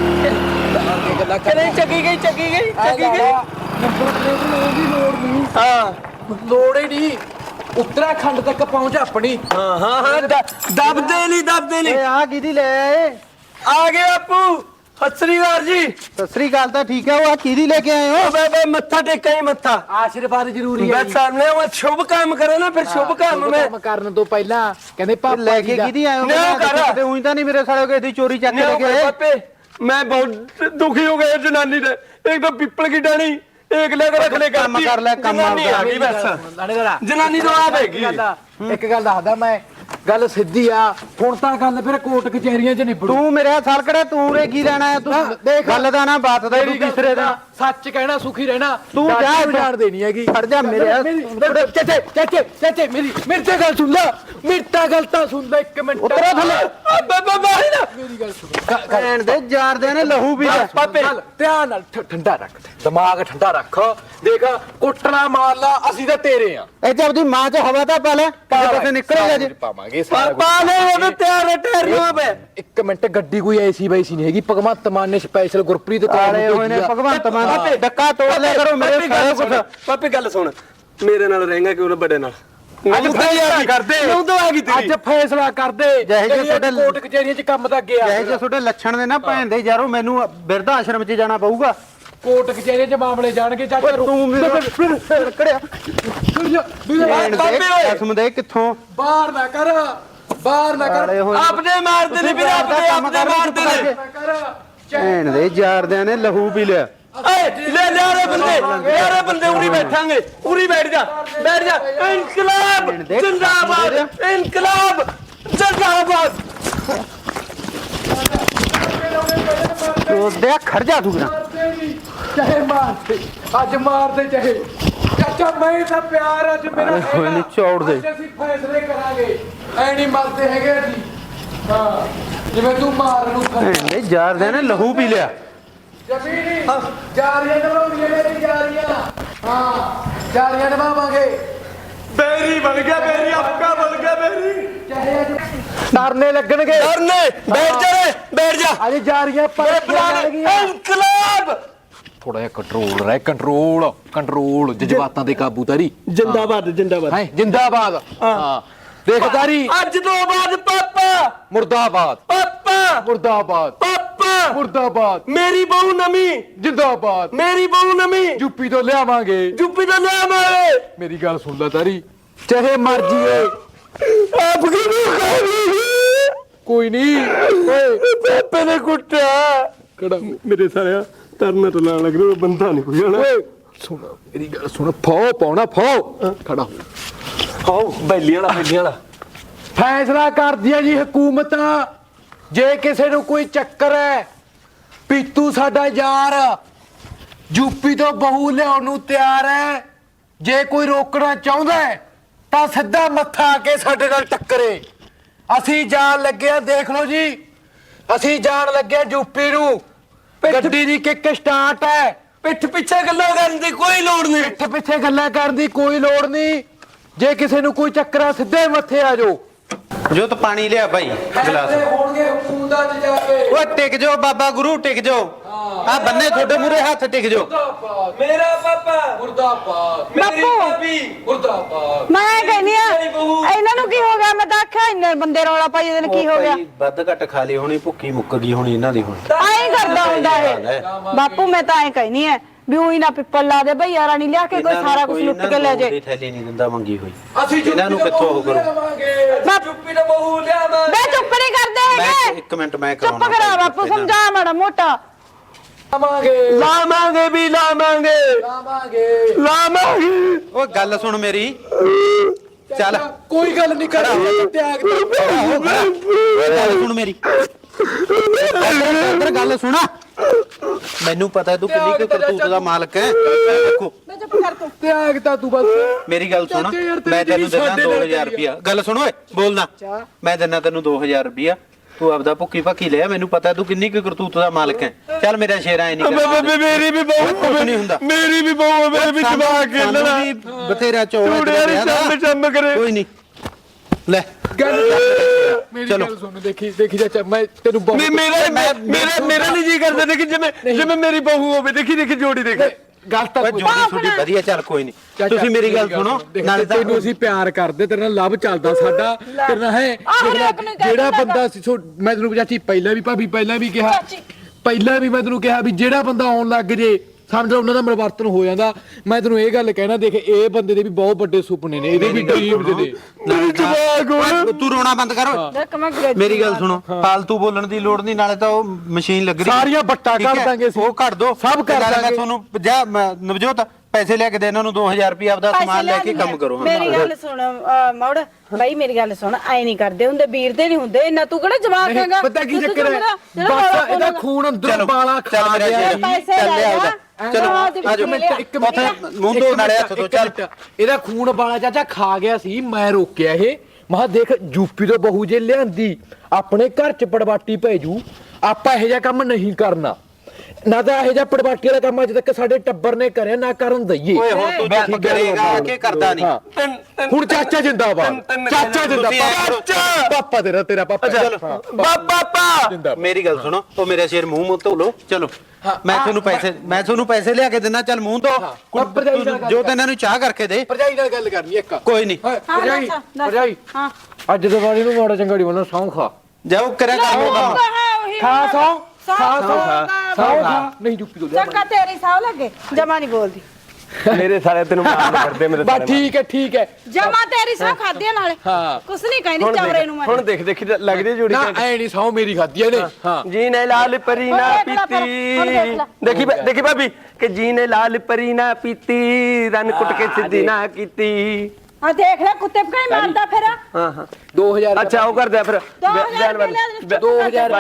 ਕਹਿੰਦੇ ਚੱਕੀ ਗਈ ਚੱਕੀ ਗਈ ਚੱਕੀ ਗਈ।
ਨੰਬਰ ਪਲੇਟ ਲੈਣ ਦੀ ਲੋੜ ਨਹੀਂ,
ਹਾਂ
ਲੋੜ ਹੀ ਨਹੀਂ। ਉੱਤਰਾਖੰਡ ਤੱਕ ਪਹੁੰਚ ਆਪਣੀ।
ਹਾਂ ਹਾਂ ਹਾਂ ਦਬਦੇ ਨਹੀਂ ਦਬਦੇ ਨਹੀਂ।
ਆ ਕਿਹਦੀ ਲੈ ਆਏ?
ਆ ਗਏ ਬਾਪੂ, ਸਤਿ ਸ੍ਰੀ ਅਕਾਲ ਜੀ।
ਸਤਿ ਸ੍ਰੀ ਅਕਾਲ ਤਾਂ ਠੀਕ ਹੈ, ਉਹ ਆ ਕਿਹਦੀ ਲੈ ਕੇ ਆਏ ਹੋ?
ਬੇ ਮੱਥਾ ਟੇਕਾਂ ਹੀ ਮੱਥਾ।
ਆਸ਼ੀਰਵਾਦ ਜ਼ਰੂਰੀ ਹੈ
ਬਸ ਸਾਹਮਣੇ ਉਹ ਸ਼ੁਭ ਕੰਮ ਕਰੇ ਨਾ, ਫਿਰ ਸ਼ੁਭ ਕੰਮ ਮੈਂ
ਕੰਮ ਕਰਨ ਤੋਂ ਪਹਿਲਾਂ ਕਹਿੰਦੇ ਪਾਪਾ
ਲੈ ਕੇ ਕਿਹਦੀ ਆਏ ਹੋ?
ਨਾ ਕਰ।
ਤੇ ਉਹੀ ਤਾਂ ਨਹੀਂ ਮੇਰੇ ਸਾਲੇ ਕੋਈ ਚੋਰੀ ਚੱਕ ਕੇ ਲੈ ਕੇ ਆਏ।
पापे मैं बहुत दुखी हो गया जनानी ने, एक तो पीपल की डाली एक लेकर रख ले
काम कर ले, काम
जनानी
कर
आ गई बस, जनानी तो आ गई।
ਇੱਕ ਗੱਲ ਦੱਸਦਾ ਮੈਂ, ਗੱਲ ਸਿੱਧੀ ਆ। ਹੁਣ ਤਾਂ ਗੱਲ ਫਿਰ ਕੋਰਟ ਕਚਹਿਰੀਆਂ 'ਚ ਨਿਬੜੂ।
ਤੂੰ ਮੇਰੇ ਸਾਲ ਕੜੇ ਤੂੰ ਰੇ ਕੀ ਲੈਣਾ ਹੈ? ਤੂੰ
ਦੇਖ
ਗੱਲ ਦਾ ਨਾ ਬਾਤ ਦਾ ਤੂੰ ਕਿਸਰੇ ਦਾ
ਸੱਚ ਕਹਿਣਾ ਸੁਖੀ ਰਹਿਣਾ।
ਤੂੰ ਜਾ
ਜਾਣ ਦੇਣੀ ਹੈਗੀ।
ਖੜ ਜਾ ਮੇਰੇ
ਚਾਚੇ ਚਾਚੇ ਚਾਚੇ ਮੇਰੀ ਤੇ ਗੱਲ ਸੁਣ ਲੈ, ਮੇਰੀ ਤਾਂ ਗੱਲ ਤਾਂ ਸੁਣ ਲੈ ਇੱਕ ਮਿੰਟ।
ਉਤਰਾ ਥੱਲੇ।
ਬਾਬਾ ਮਾਰੀ ਨਾ ਮੇਰੀ ਗੱਲ ਸੁਣ।
ਭੈਣ ਦੇ ਜਾਰਦੇ ਨੇ ਲਹੂ ਵੀ ਲੈ।
ਪਾਪੇ ਧਿਆਨ ਨਾਲ ਠੰਡਾ ਰੱਖ, ਦਿਮਾਗ ਠੰਡਾ ਰੱਖ। ਦੇਖ ਕੁੱਟਣਾ ਮਾਰ ਲਾ, ਅਸੀਂ ਤਾਂ ਤੇਰੇ ਆ।
ਇੱਥੇ ਆਪਦੀ ਮਾਂ 'ਚ ਹਵਾ ਤਾਂ ਪਾ ਲੈ, ਕਿਤੇ ਨਿਕਲੇਗਾ ਜੇ।
ਪਾਵਾਂਗੇ
पापा ने वो तो तैयार ठहरियो पे।
ਇੱਕ ਮਿੰਟ, ਗੱਡੀ ਕੋਈ ਐਸੀ ਵੈਸੀ ਨਹੀਂ ਹੈਗੀ। ਭਗਵੰਤ ਮਾਨ ਨੇ ਸਪੈਸ਼ਲ ਗੁਰਪ੍ਰੀਤ
ਆਲੇ ਹੋਏ ਨੇ ਭਗਵੰਤ ਮਾਨ। ਡੱਕਾ ਤੋੜ ਲਿਆ ਕਰੋ ਮੇਰੇ ਸਾਲੇ ਕੁਛ।
ਪਾਪੇ ਗੱਲ ਸੁਣ, ਮੇਰੇ ਨਾਲ ਰਹੇਗਾ ਕਿਉਂ ਨਾ ਬੜੇ ਨਾਲ?
ਅੱਜ ਫੈਸਲਾ ਕਰਦੇ,
ਕਿਉਂ ਤਾਂ ਆ ਗਈ ਤੇਰੀ?
ਅੱਜ ਫੈਸਲਾ ਕਰਦੇ।
ਜਿਹੇ ਜਿਹੇ ਤੁਹਾਡੇ
ਕੋਰਟ ਕਚਹਿਰੀਆਂ 'ਚ ਕੰਮ ਤਾਂ ਗਿਆ।
ਜਿਹੇ ਜੇ ਤੁਹਾਡੇ ਲੱਛਣ ਨੇ ਨਾ ਭੈਣ ਦੇ ਯਾਰੋ, ਮੈਨੂੰ ਬਿਰਧ ਆਸ਼ਰਮ 'ਚ ਜਾਣਾ ਪਊਗਾ।
ਕੋਰਟ ਕਚਹਿਰੀਆਂ 'ਚ ਮਾਮਲੇ ਜਾਣਗੇ। ਚਾਚਾ
ਤੂੰ ਮੇਰੇ ਕੜਿਆ ਭੈਣ ਦੇ ਕਸਮ ਦੇ ਕਿੱਥੋਂ
ਬਾਹਰ ਨਾ ਕਰ, ਬਾਹਰ ਨਾ ਕਰ।
आपने मारते नहीं, फिर आपने मारते नहीं।
ਭੈਣ ਦੇ ਜਾਰਦਿਆਂ ਨੇ ਲਹੂ ਪੀ ਲਿਆ।
ले ले रे बंदे उरी बैठांगे, उरी बैठ जा इनकलाब जिंदाबाद, इनकलाब जिंदाबाद।
ਉਹਦੇ ਖੜ ਜਾ ਤੂੰ ਨਾ।
ਚਾਹੇ ਮਾਰਦੇ, ਅੱਜ ਮਾਰਦੇ ਚਾਹੇ। ਚਾਚਾ ਮੈਂ ਤਾਂ ਪਿਆਰ ਅੱਜ ਮੇਰਾ
ਹੋਏ ਨੀ ਚੌੜ ਦੇ।
ਅੱਜ ਅਸੀਂ ਫੈਸਲੇ ਕਰਾਂਗੇ, ਐ ਨਹੀਂ ਮਰਦੇ ਹੈਗੇ ਅਸੀਂ। ਹਾਂ ਜਿਵੇਂ ਤੂੰ ਮਾਰ ਨੂੰ
ਭੈਣ ਦੇ ਜਾਰਦਿਆਂ ਨੇ ਲਹੂ ਪੀ ਲਿਆ।
ਜਮੀਨੀ ਜਾਰੀਆਂ ਨਿਭਾਉਣੀਆਂ ਮੇਰੀ ਜਾਰੀਆਂ। ਹਾਂ ਜਾਰੀਆਂ ਨਿਭਾਵਾਂਗੇ।
बेरी बन गया, बेरी आपका बन गया बेरी।
ਚਾਹੇ ਅੱਜ ਡਰਨੇ ਲੱਗਣਗੇ।
डरने बैठ जा रे, बैठ जा।
ਅੱਜ ਜਾਰੀਆਂ ਪਰ
इनकलाब
ਥੋੜਾ ਜਿਹਾ ਕੰਟਰੋਲ ਰਹਿ, ਕੰਟਰੋਲ ਜਜ਼ਬਾਤਾਂ ਤੇ ਕਾਬੂ ਤਾਰੀ।
जिंदाबाद जिंदाबाद।
ਹੈ ਜਿੰਦਾਬਾਦ। ਹਾਂ ਦੇਖਦਾਰੀ
ਅੱਜ ਤੋਂ ਬਾਅਦ ਪਾਪਾ
ਮੁਰਦਾਬਾਦ,
ਪਾਪਾ
ਮੁਰਦਾਬਾਦ,
ਪਾਪਾ
ਮੁਰਦਾਬਾਦ,
ਮੇਰੀ ਬਹੂ ਨਵੀਂ,
ਜਿੰਦਾਬਾਦ।
ਮੇਰੀ ਬਹੂ ਨਵੀਂ
ਯੂਪੀ ਤੋਂ ਲਿਆਵਾਂਗੇ।
ਜੁੱਪੀ ਦਾ ਨਾਮ ਆਏ।
ਮੇਰੀ ਗੱਲ ਸੁਣ ਲੈ ਤਾਰੀ, ਚਾਹੇ ਮਰ ਜੀਏ
ਆਪ ਕੀ
ਕੋਈ ਨਹੀਂ। ਓਏ
ਪਾਪੇ ਨੇ ਕੁੱਟਿਆ
ਕਿਹੜਾ
ਮੇਰੇ ਸਾਲਿਆ ਤਰਨਾ ਤੋਂ ਲੱਗ ਰਿਹਾ ਬੰਦਾ ਨਹੀਂ ਕੋਈ ਹਣਾ।
ਓਏ ਸੁਣ ਮੇਰੀ ਗੱਲ ਸੁਣ। ਫੋ ਪਾਉਣਾ ਫੋ ਖੜਾ ਹੋ।
ਆਓ ਬੈਲੀ ਵਾਲਾ
ਫੈਸਲਾ ਕਰਦੀ ਹੈ ਜੀ ਹਕੂਮਤ। ਜੇ ਕਿਸੇ ਨੂੰ ਕੋਈ ਚੱਕਰ ਹੈ, ਪੀਤੂ ਸਾਡਾ ਯਾਰ ਯੂਪੀ ਤੋਂ ਬਹੂ ਲਿਆਉਣ ਨੂੰ ਤਿਆਰ ਹੈ। ਜੇ ਕੋਈ ਰੋਕਣਾ ਚਾਹੁੰਦਾ ਹੈ ਤਾਂ ਸਿੱਧਾ ਮੱਥਾ ਆ ਕੇ ਸਾਡੇ ਨਾਲ ਟੱਕਰੇ। ਅਸੀਂ ਜਾਣ ਲੱਗੇ ਆ, ਦੇਖ ਲਓ ਜੀ, ਅਸੀਂ ਜਾਣ ਲੱਗੇ ਆ ਯੂਪੀ ਨੂੰ। ਗੱਡੀ ਦੀ ਕਿੱਕ ਸਟਾਰਟ ਹੈ।
ਪਿੱਠ ਪਿੱਛੇ ਗੱਲਾਂ ਕਰਨ ਦੀ ਕੋਈ ਲੋੜ ਨਹੀਂ।
ਪਿੱਠ ਪਿੱਛੇ ਗੱਲਾਂ ਕਰਨ ਦੀ ਕੋਈ ਲੋੜ ਨਹੀਂ। ਜੇ ਕਿਸੇ ਨੂੰ ਕੋਈ ਚੱਕਰ ਆ, ਸਿੱਧੇ ਮੱਥੇ ਆ ਜਾਓ।
ਜੋ ਤਾਂ ਪਾਣੀ ਲਿਆ ਭਾਈ ਗਲਾਸ।
ਹੋਣਗੇ ਹਕੂਮਤਾਂ 'ਚ ਜਾ ਕੇ।
ਓਏ ਟਿਕ ਜਾਓ ਬਾਬਾ ਗੁਰੂ, ਟਿਕ ਜਾਓ। ਆ ਬੰਨੇ ਤੁਹਾਡੇ ਮੂਰੇ ਹੱਥ ਟਿਕ ਜਾਓ।
ਮੁਰਦਾਬਾਦ,
ਮੇਰਾ ਪਾਪਾ,
ਮੁਰਦਾਬਾਦ,
ਮੇਰੀ
ਬਾਪੂ।
ਭਾਬੀ,
ਮੁਰਦਾਬਾਦ।
ਮੈਂ ਕਹਿੰਦੀ ਆ
ਮੇਰੀ ਬਹੂ।
ਇਹਨਾਂ ਨੂੰ ਕੀ ਹੋ ਗਿਆ? ਮੈਂ ਤਾਂ ਆਖਿਆ ਇੰਨੇ ਬੰਦੇ ਰੌਲਾ ਪਾਈ ਇਹਦੇ ਨੂੰ ਕੀ ਹੋ ਗਿਆ?
ਵੱਧ ਘੱਟ ਖਾ ਲਈ ਹੋਣੀ, ਭੁੱਖੀ ਮੁੱਕ ਗਈ ਹੋਣੀ ਇਹਨਾਂ ਦੀ ਹੁਣ।
ਐਂ ਕਰਦਾ ਹੁੰਦਾ ਇਹ ਬਾਪੂ। ਮੈਂ ਤਾਂ ਐਂ ਕਹਿਨੀ ਐ ਵੀ ਉਹੀ ਨਾ ਪਿੱਪਲ ਲਾ ਦੇ ਭਈ ਯਾਰਾ ਨਹੀਂ ਲਿਆ ਕੇ ਕੋਈ ਸਾਰਾ ਕੁਝ ਲੁੱਟ ਕੇ ਲੈ ਜੇ।
ਥੈਲੀ ਨਹੀਂ ਦਿੰਦਾ ਮੰਗੀ ਹੋਈ।
ਅਸੀਂ
ਇਹਨਾਂ ਨੂੰ ਕਿੱਥੋਂ ਉਹ ਕਰੋ?
ਚੁੱਪੀ ਦਾ ਬਹੂ ਲਿਆਵਾਂਗੇ।
ਬੇ ਚੁੱਪ ਨਹੀਂ ਕਰਦੇ
ਮੈਂ
ਹੈਗੇ।
ਇੱਕ ਮਿੰਟ ਮੈਂ
ਚੁੱਪ
ਕਰਾਉਣਾ
ਕਰਾ ਬਾਪੂ, ਸਮਝਾ ਮਾੜਾ ਮੋਟਾ।
ਲਾਵਾਂਗੇ ਵੀ ਲਾਵਾਂਗੇ ਲਾਵਾਂਗੇ।
ਓਏ ਗੱਲ ਸੁਣ ਮੇਰੀ। ਚੱਲ
ਕੋਈ ਗੱਲ ਨਹੀਂ ਕਰਾਂਗੇ। ਤਿਆਗ
ਗੱਲ ਸੁਣ ਮੇਰੀ। ਇੱਧਰ ਗੱਲ ਸੁਣਾ। ਮੈਨੂੰ ਪਤਾ ਤੂੰ ਕਿੰਨੀ ਕੁ ਕਰਤੂਤ ਦਾ ਮਾਲਕ ਹੈ ਦੇਖੋ
ਮੈਂ ਚੁੱਪ ਕਰ ਤੂੰ
ਤਿਆਗ ਤਾਂ ਤੂੰ ਬਸ
ਮੇਰੀ ਗੱਲ ਸੁਣ
ਚਾਚਾ ਯਾਰ ਤੇਰੀ
ਮੈਂ ਤੈਨੂੰ ਦਿੰਦਾ
ਸਾਡੇ ਨਾਲ
2000 ਰੁਪਿਆ ਗੱਲ ਸੁਣ ਓਏ ਬੋਲਣਾ ਮੈਂ ਦਿੰਦਾ ਤੈਨੂੰ 2000 ਰੁਪਿਆ ਤੂੰ ਆਪਦਾ ਭੁੱਕੀ ਭੱਕੀ ਲਿਆ ਮੈਨੂੰ ਪਤਾ ਤੂੰ ਕਿੰਨੀ ਕੁ ਕਰਤੂਤ ਦਾ ਮਾਲਕ ਹੈ ਚੱਲ ਮੇਰਾ ਸ਼ੇਰ ਐ ਨਹੀਂ ਕਰਦਾ
ਮੇਰੀ ਵੀ
ਕੁਛ ਨਹੀਂ ਹੁੰਦਾ
ਮੇਰੀ ਵੀ ਬਹੂ ਮੇਰੇ ਵੀ ਦਿਮਾਗ ਖੇਲਣਾ
ਬਥੇਰਾ ਚੌੜਾ
ਚੰਮ ਕਰੇ
ਕੋਈ ਨਹੀਂ ਲੈ
ਮੇਰੀ
ਚਲੋ।
ਗੱਲ ਸੁਣ ਦੇਖੀ ਚਾਚਾ ਮੈਂ ਤੈਨੂੰ ਬਹੁਤ
ਮੇਰਾ ਨਹੀਂ ਜੀ ਕਰਦਾ ਦੇਖੀ ਜਿਵੇਂ ਮੇਰੀ ਬਹੂ ਹੋਵੇ ਦੇਖੀ ਜੋੜੀ ਦੇਖ
ਗੱਲ ਤਾਂ
ਓਏ ਜੋੜੀ ਛੋਟੀ ਵਧੀਆ ਚੱਲ ਕੋਈ ਨਹੀਂ ਤੁਸੀਂ ਮੇਰੀ ਗੱਲ ਸੁਣੋ ਨਾਲੇ ਤਾਂ
ਤੈਨੂੰ ਅਸੀਂ ਪਿਆਰ ਕਰਦੇ ਤੇਰੇ ਨਾਲ ਲਵ ਚੱਲਦਾ ਸਾਡਾ ਤੇਰੇ ਨਾਲ ਹੈ ਜਿਹੜਾ ਬੰਦਾ ਸੀ ਮੈਂ ਤੈਨੂੰ ਚਾਚੀ ਪਹਿਲਾਂ ਵੀ ਭਾਬੀ ਪਹਿਲਾਂ ਵੀ ਕਿਹਾ ਪਹਿਲਾਂ ਵੀ ਮੈਂ ਤੈਨੂੰ ਕਿਹਾ ਵੀ ਜਿਹੜਾ ਬੰਦਾ ਆਉਣ ਲੱਗ ਜੇ ਸਮਝ ਲਓ ਉਹਨਾਂ ਦਾ ਮਰਵਰਤਨ ਹੋ ਜਾਂਦਾ ਮੈਂ ਤੈਨੂੰ ਇਹ ਗੱਲ ਕਹਿਣਾ ਦੇਖ ਇਹ ਬੰਦੇ ਦੇ ਵੀ ਬਹੁਤ ਵੱਡੇ ਸੁਪਨੇ ਨੇ ਇਹਦੇ ਵੀ ਡ੍ਰੀਮਸ ਨੇ
ਤੂੰ ਰੋਣਾ ਬੰਦ ਕਰ
ਦੇਖ ਮੈਂ ਗ੍ਰੈਜੂਏਟ
ਮੇਰੀ ਗੱਲ ਸੁਣੋ ਫਾਲਤੂ ਬੋਲਣ ਦੀ ਲੋੜ ਨਹੀਂ ਨਾਲੇ ਤਾਂ ਉਹ ਮਸ਼ੀਨ ਲੱਗ ਰਹੀ
ਸਾਰੀਆਂ ਬੱਟਾਂ
ਠੀਕ ਹੈ?
ਕੱਢ ਦਾਂਗੇ ਅਸੀਂ।
ਉਹ ਕੱਢ ਦੋ
ਸਭ ਕਰ
ਮੈਂ
ਦਾਂਗੇ।
ਤੁਹਾਨੂੰ ਨਵਜੋਤ ਪੈਸੇ ਲੈ ਕੇ ਦੇ ਇਹਨਾਂ ਨੂੰ 2000 ਰੁਪਏ ਆਪਦਾ ਸਮਾਨ ਲੈ ਕੇ ਕੰਮ ਕਰੋ
ਮੇਰੀ ਗੱਲ ਸੁਣ ਮੌੜ ਬਾਈ ਮੇਰੀ ਗੱਲ ਸੁਣ ਐ ਨਹੀਂ ਕਰਦੇ ਹੁੰਦੇ ਵੀਰ ਦੇ ਨਹੀਂ ਹੁੰਦੇ ਇੰਨਾ ਤੂੰ ਕਿਹੜਾ ਜਵਾਬ ਹੈਗਾ
ਪਤਾ ਕੀ ਚੱਕਰ ਹੈ ਬਸ ਇਹਦਾ ਖੂਨ ਅੰਦਰ ਬਾਲਾ
ਚੱਲ
ਖਾ
ਮੇਰਾ
ਗਿਆ
ਸ਼ੇਰ
ਪੈਸੇ
ਚੱਲ
ਲੈ
ਲਿਆ
ਜਾ।
ਚਲੋ
ਇੱਕ ਮਿੰਟ ਇੱਕ ਮਿੰਟ
ਮੂੰਹ ਧੋ ਨਾਲੇ ਹੱਥ ਧੋ ਚੱਲ
ਇਹਦਾ ਖੂਨ ਬਾਲਾ ਚਾਚਾ ਖਾ ਗਿਆ ਸੀ ਮੈਂ ਰੋਕਿਆ ਇਹ ਮਹਾ ਦੇਖ ਯੂਪੀ ਤੋਂ ਬਹੂ ਜੇ ਲਿਆਂਦੀ ਆਪਣੇ ਘਰ ਚ ਪੜਵਾਟੀ ਭੇਜੂ ਆਪਾਂ ਇਹੋ ਜਿਹਾ ਕੰਮ ਨਹੀਂ ਕਰਨਾ ਨਾ ਤਾਂ ਇਹੋ ਜਿਹਾ ਪੜਵਾਟੀ ਵਾਲਾ ਕੰਮ ਅੱਜ ਤੱਕ ਸਾਡੇ ਟੱਬਰ ਨੇ ਕਰਿਆ ਨਾ ਕਰਨ ਦਈਏ
ਓਏ ਹੁਣ ਤੂੰ ਚੁੱਪ ਕਰੇਗਾ ਕਿ ਕਰਦਾ ਨਹੀਂ
ਹੁਣ ਚਾਚਾ ਜਿੰਦਾਬਾਦ ਚਾਚਾ ਜਿੰਦਾਬਾਦ ਪਾਪਾ ਤੇਰਾ ਪਾਪਾ ਚਲ
ਬਾਬਾ
ਮੇਰੀ ਗੱਲ ਸੁਣੋ ਉਹ ਮੇਰਾ ਸ਼ੇਰ ਮੂੰਹ ਧੋ ਲੋ ਚਲੋ ਮੈਂ ਤੁਹਾਨੂੰ ਪੈਸੇ ਲਿਆ ਕੇ ਦਿੰਦਾ ਚੱਲ ਮੂੰਹ ਧੋ ਜੋ ਤੇ ਇਹਨਾਂ ਨੂੰ ਚਾਹ ਕਰਕੇ ਦੇ
ਭਰਜਾਈ ਨਾਲ ਗੱਲ ਕਰਨੀ ਇੱਕ
ਕੋਈ ਨਹੀਂ
ਭਰਜਾਈ
ਹਾਂ
ਅੱਜ ਦਿਵਾਲੀ ਨੂੰ ਮਾੜਾ ਚੰਗਾ ਬੋਲਣਾ ਸੌਂ ਖਾ
ਜਾਓ ਕਰਿਆ ਕੰਮ ਕੰਮ
ਖਾ ਸੌਂ ਖਾ ਨਹੀਂ ਚੁੱਪੀ ਤੋਂ
ਚੰਗਾ ਤੇਰੀ ਸਾਹ ਲੱਗੇ ਜਮਾ ਨਹੀਂ ਬੋਲਦੀ
ਮੇਰੇ ਸਾਲੇ ਤੈਨੂੰ ਮਾਰ ਕਰਦੇ ਮੇਰੇ
ਬਸ ਠੀਕ ਹੈ
ਜਮਾ ਤੇਰੀ ਸਾਹ ਖਾਦੀ ਨਾਲੇ
ਹਾਂ
ਕੁਛ ਨਹੀਂ ਕਹਿੰਦੀ ਚਵਰੇ ਨੂੰ ਮੈਂ
ਹੁਣ ਦੇਖੀ ਲੱਗਦੀ ਜੋੜੀ
ਨਾ ਐ ਨਹੀਂ ਸੌ ਮੇਰੀ ਖਾਦੀ ਇਹਨੇ ਹਾਂ
ਜੀ ਨੇ ਲਾਲ ਪਰੀ ਨਾ ਪੀਤੀ ਦੇਖੀ ਭਾਬੀ ਕਿ ਜੀ ਨੇ ਲਾਲ ਪਰੀ ਨਾ ਪੀਤੀ ਰਨ ਕੁੱਟ ਕੇ ਸਿੱਧੀ ਨਾ ਕੀਤੀ
ਆ ਦੇਖ ਲੈ ਕੁੱਤੇ ਪਕਾਈ ਮਾਰਦਾ ਫਿਰ
ਹਾਂ
2000
ਅੱਛਾ ਉਹ ਕਰਦੇ ਆ ਫਿਰ
2000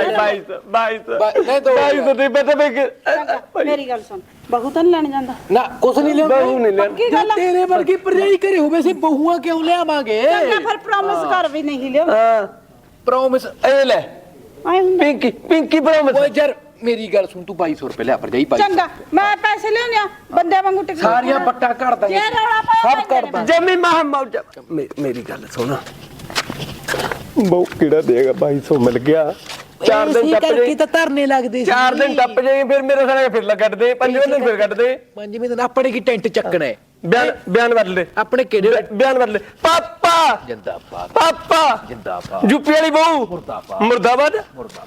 22 ਨਹੀਂ ਪਤਾ
ਮੇਰੀ ਗੱਲ ਸੁਣ ਬਹੂ ਤਾਂ ਨੀ ਲੈਣ ਜਾਂਦਾ
ਨਾ ਕੁਛ ਨਹੀਂ ਲਿਆਉਂਦਾ
ਬਹੂ ਨਹੀਂ ਲੈਣ
ਕੀ ਗੱਲ ਆ?
ਤੇਰੇ ਵਰਗੀ ਭਰਜਾਈ ਘਰੇ ਹੋਵੇ ਸੀ ਬਹੂਆਂ ਕਿਉਂ ਲਿਆਵਾਂਗੇ
ਚੰਗਾ ਫਿਰ ਪ੍ਰੋਮਿਸ ਕਰ ਵੀ ਨਹੀਂ ਲਿਓ
ਹਾਂ
ਪ੍ਰੋਮਿਸ
ਇਹ ਲੈ
ਆਏ ਹੁੰਦਾ
ਪਿੰਕੀ ਪ੍ਰੋਮਿਸ
ਓਏ ਯਾਰ ਮੇਰੀ ਗੱਲ ਸੁਣ ਤੂੰ 2200 ਰੁਪਏ ਲਿਆ ਭਰਜਾਈ
ਚੰਗਾ ਮੈਂ ਪੈਸੇ ਲਿਆਉਂਦੀ ਆ ਬੰਦੇ ਵਾਂਗੂ ਟਿਕ
ਸਾਰੀਆਂ ਪੱਟਾ ਕੱਢ ਦਾਂਗੇ
ਜੇ ਰੌਲਾ ਪਾਇਆ
ਸਭ ਕਰ ਦਾਂਗੇ
ਜਮੀ ਮਹਮੌਜ ਮੇਰੀ ਗੱਲ ਸੁਣ ਬਹੁ ਕਿਹੜਾ ਦੇਗਾ 2200 ਮਿਲ ਗਿਆ 4 ਦਿਨ ਟੱਪ ਜਾਈ
ਤਾਂ ਧਰਨੇ ਲੱਗਦੇ
4 ਦਿਨ ਟੱਪ ਜਾਈ ਫਿਰ ਮੇਰੇ ਸਾਲੇ ਫਿਰ ਕੱਢ ਦੇ 5ਵੇਂ ਦਿਨ ਫਿਰ ਕੱਢ ਦੇ
ਪੰਜਵੇਂ ਦਿਨ ਆਪਣੇ ਕੀ ਟੈਂਟ ਚੱਕਣਾ ਹੈ
ਬਿਆਨ ਬਦਲ ਦੇ
ਆਪਣੇ ਕਿਹੜੇ
ਬਿਆਨ ਬਦਲ ਪਾਪਾ
ਜਿੰਦਾਬਾਦ
ਪਾਪਾ
ਜਿੰਦਾਬਾਦ
ਯੂਪੀ ਵਾਲੀ ਬਹੂ
ਮੁਰਦਾਬਾਦ
ਮੁਰਦਾਬਾਦ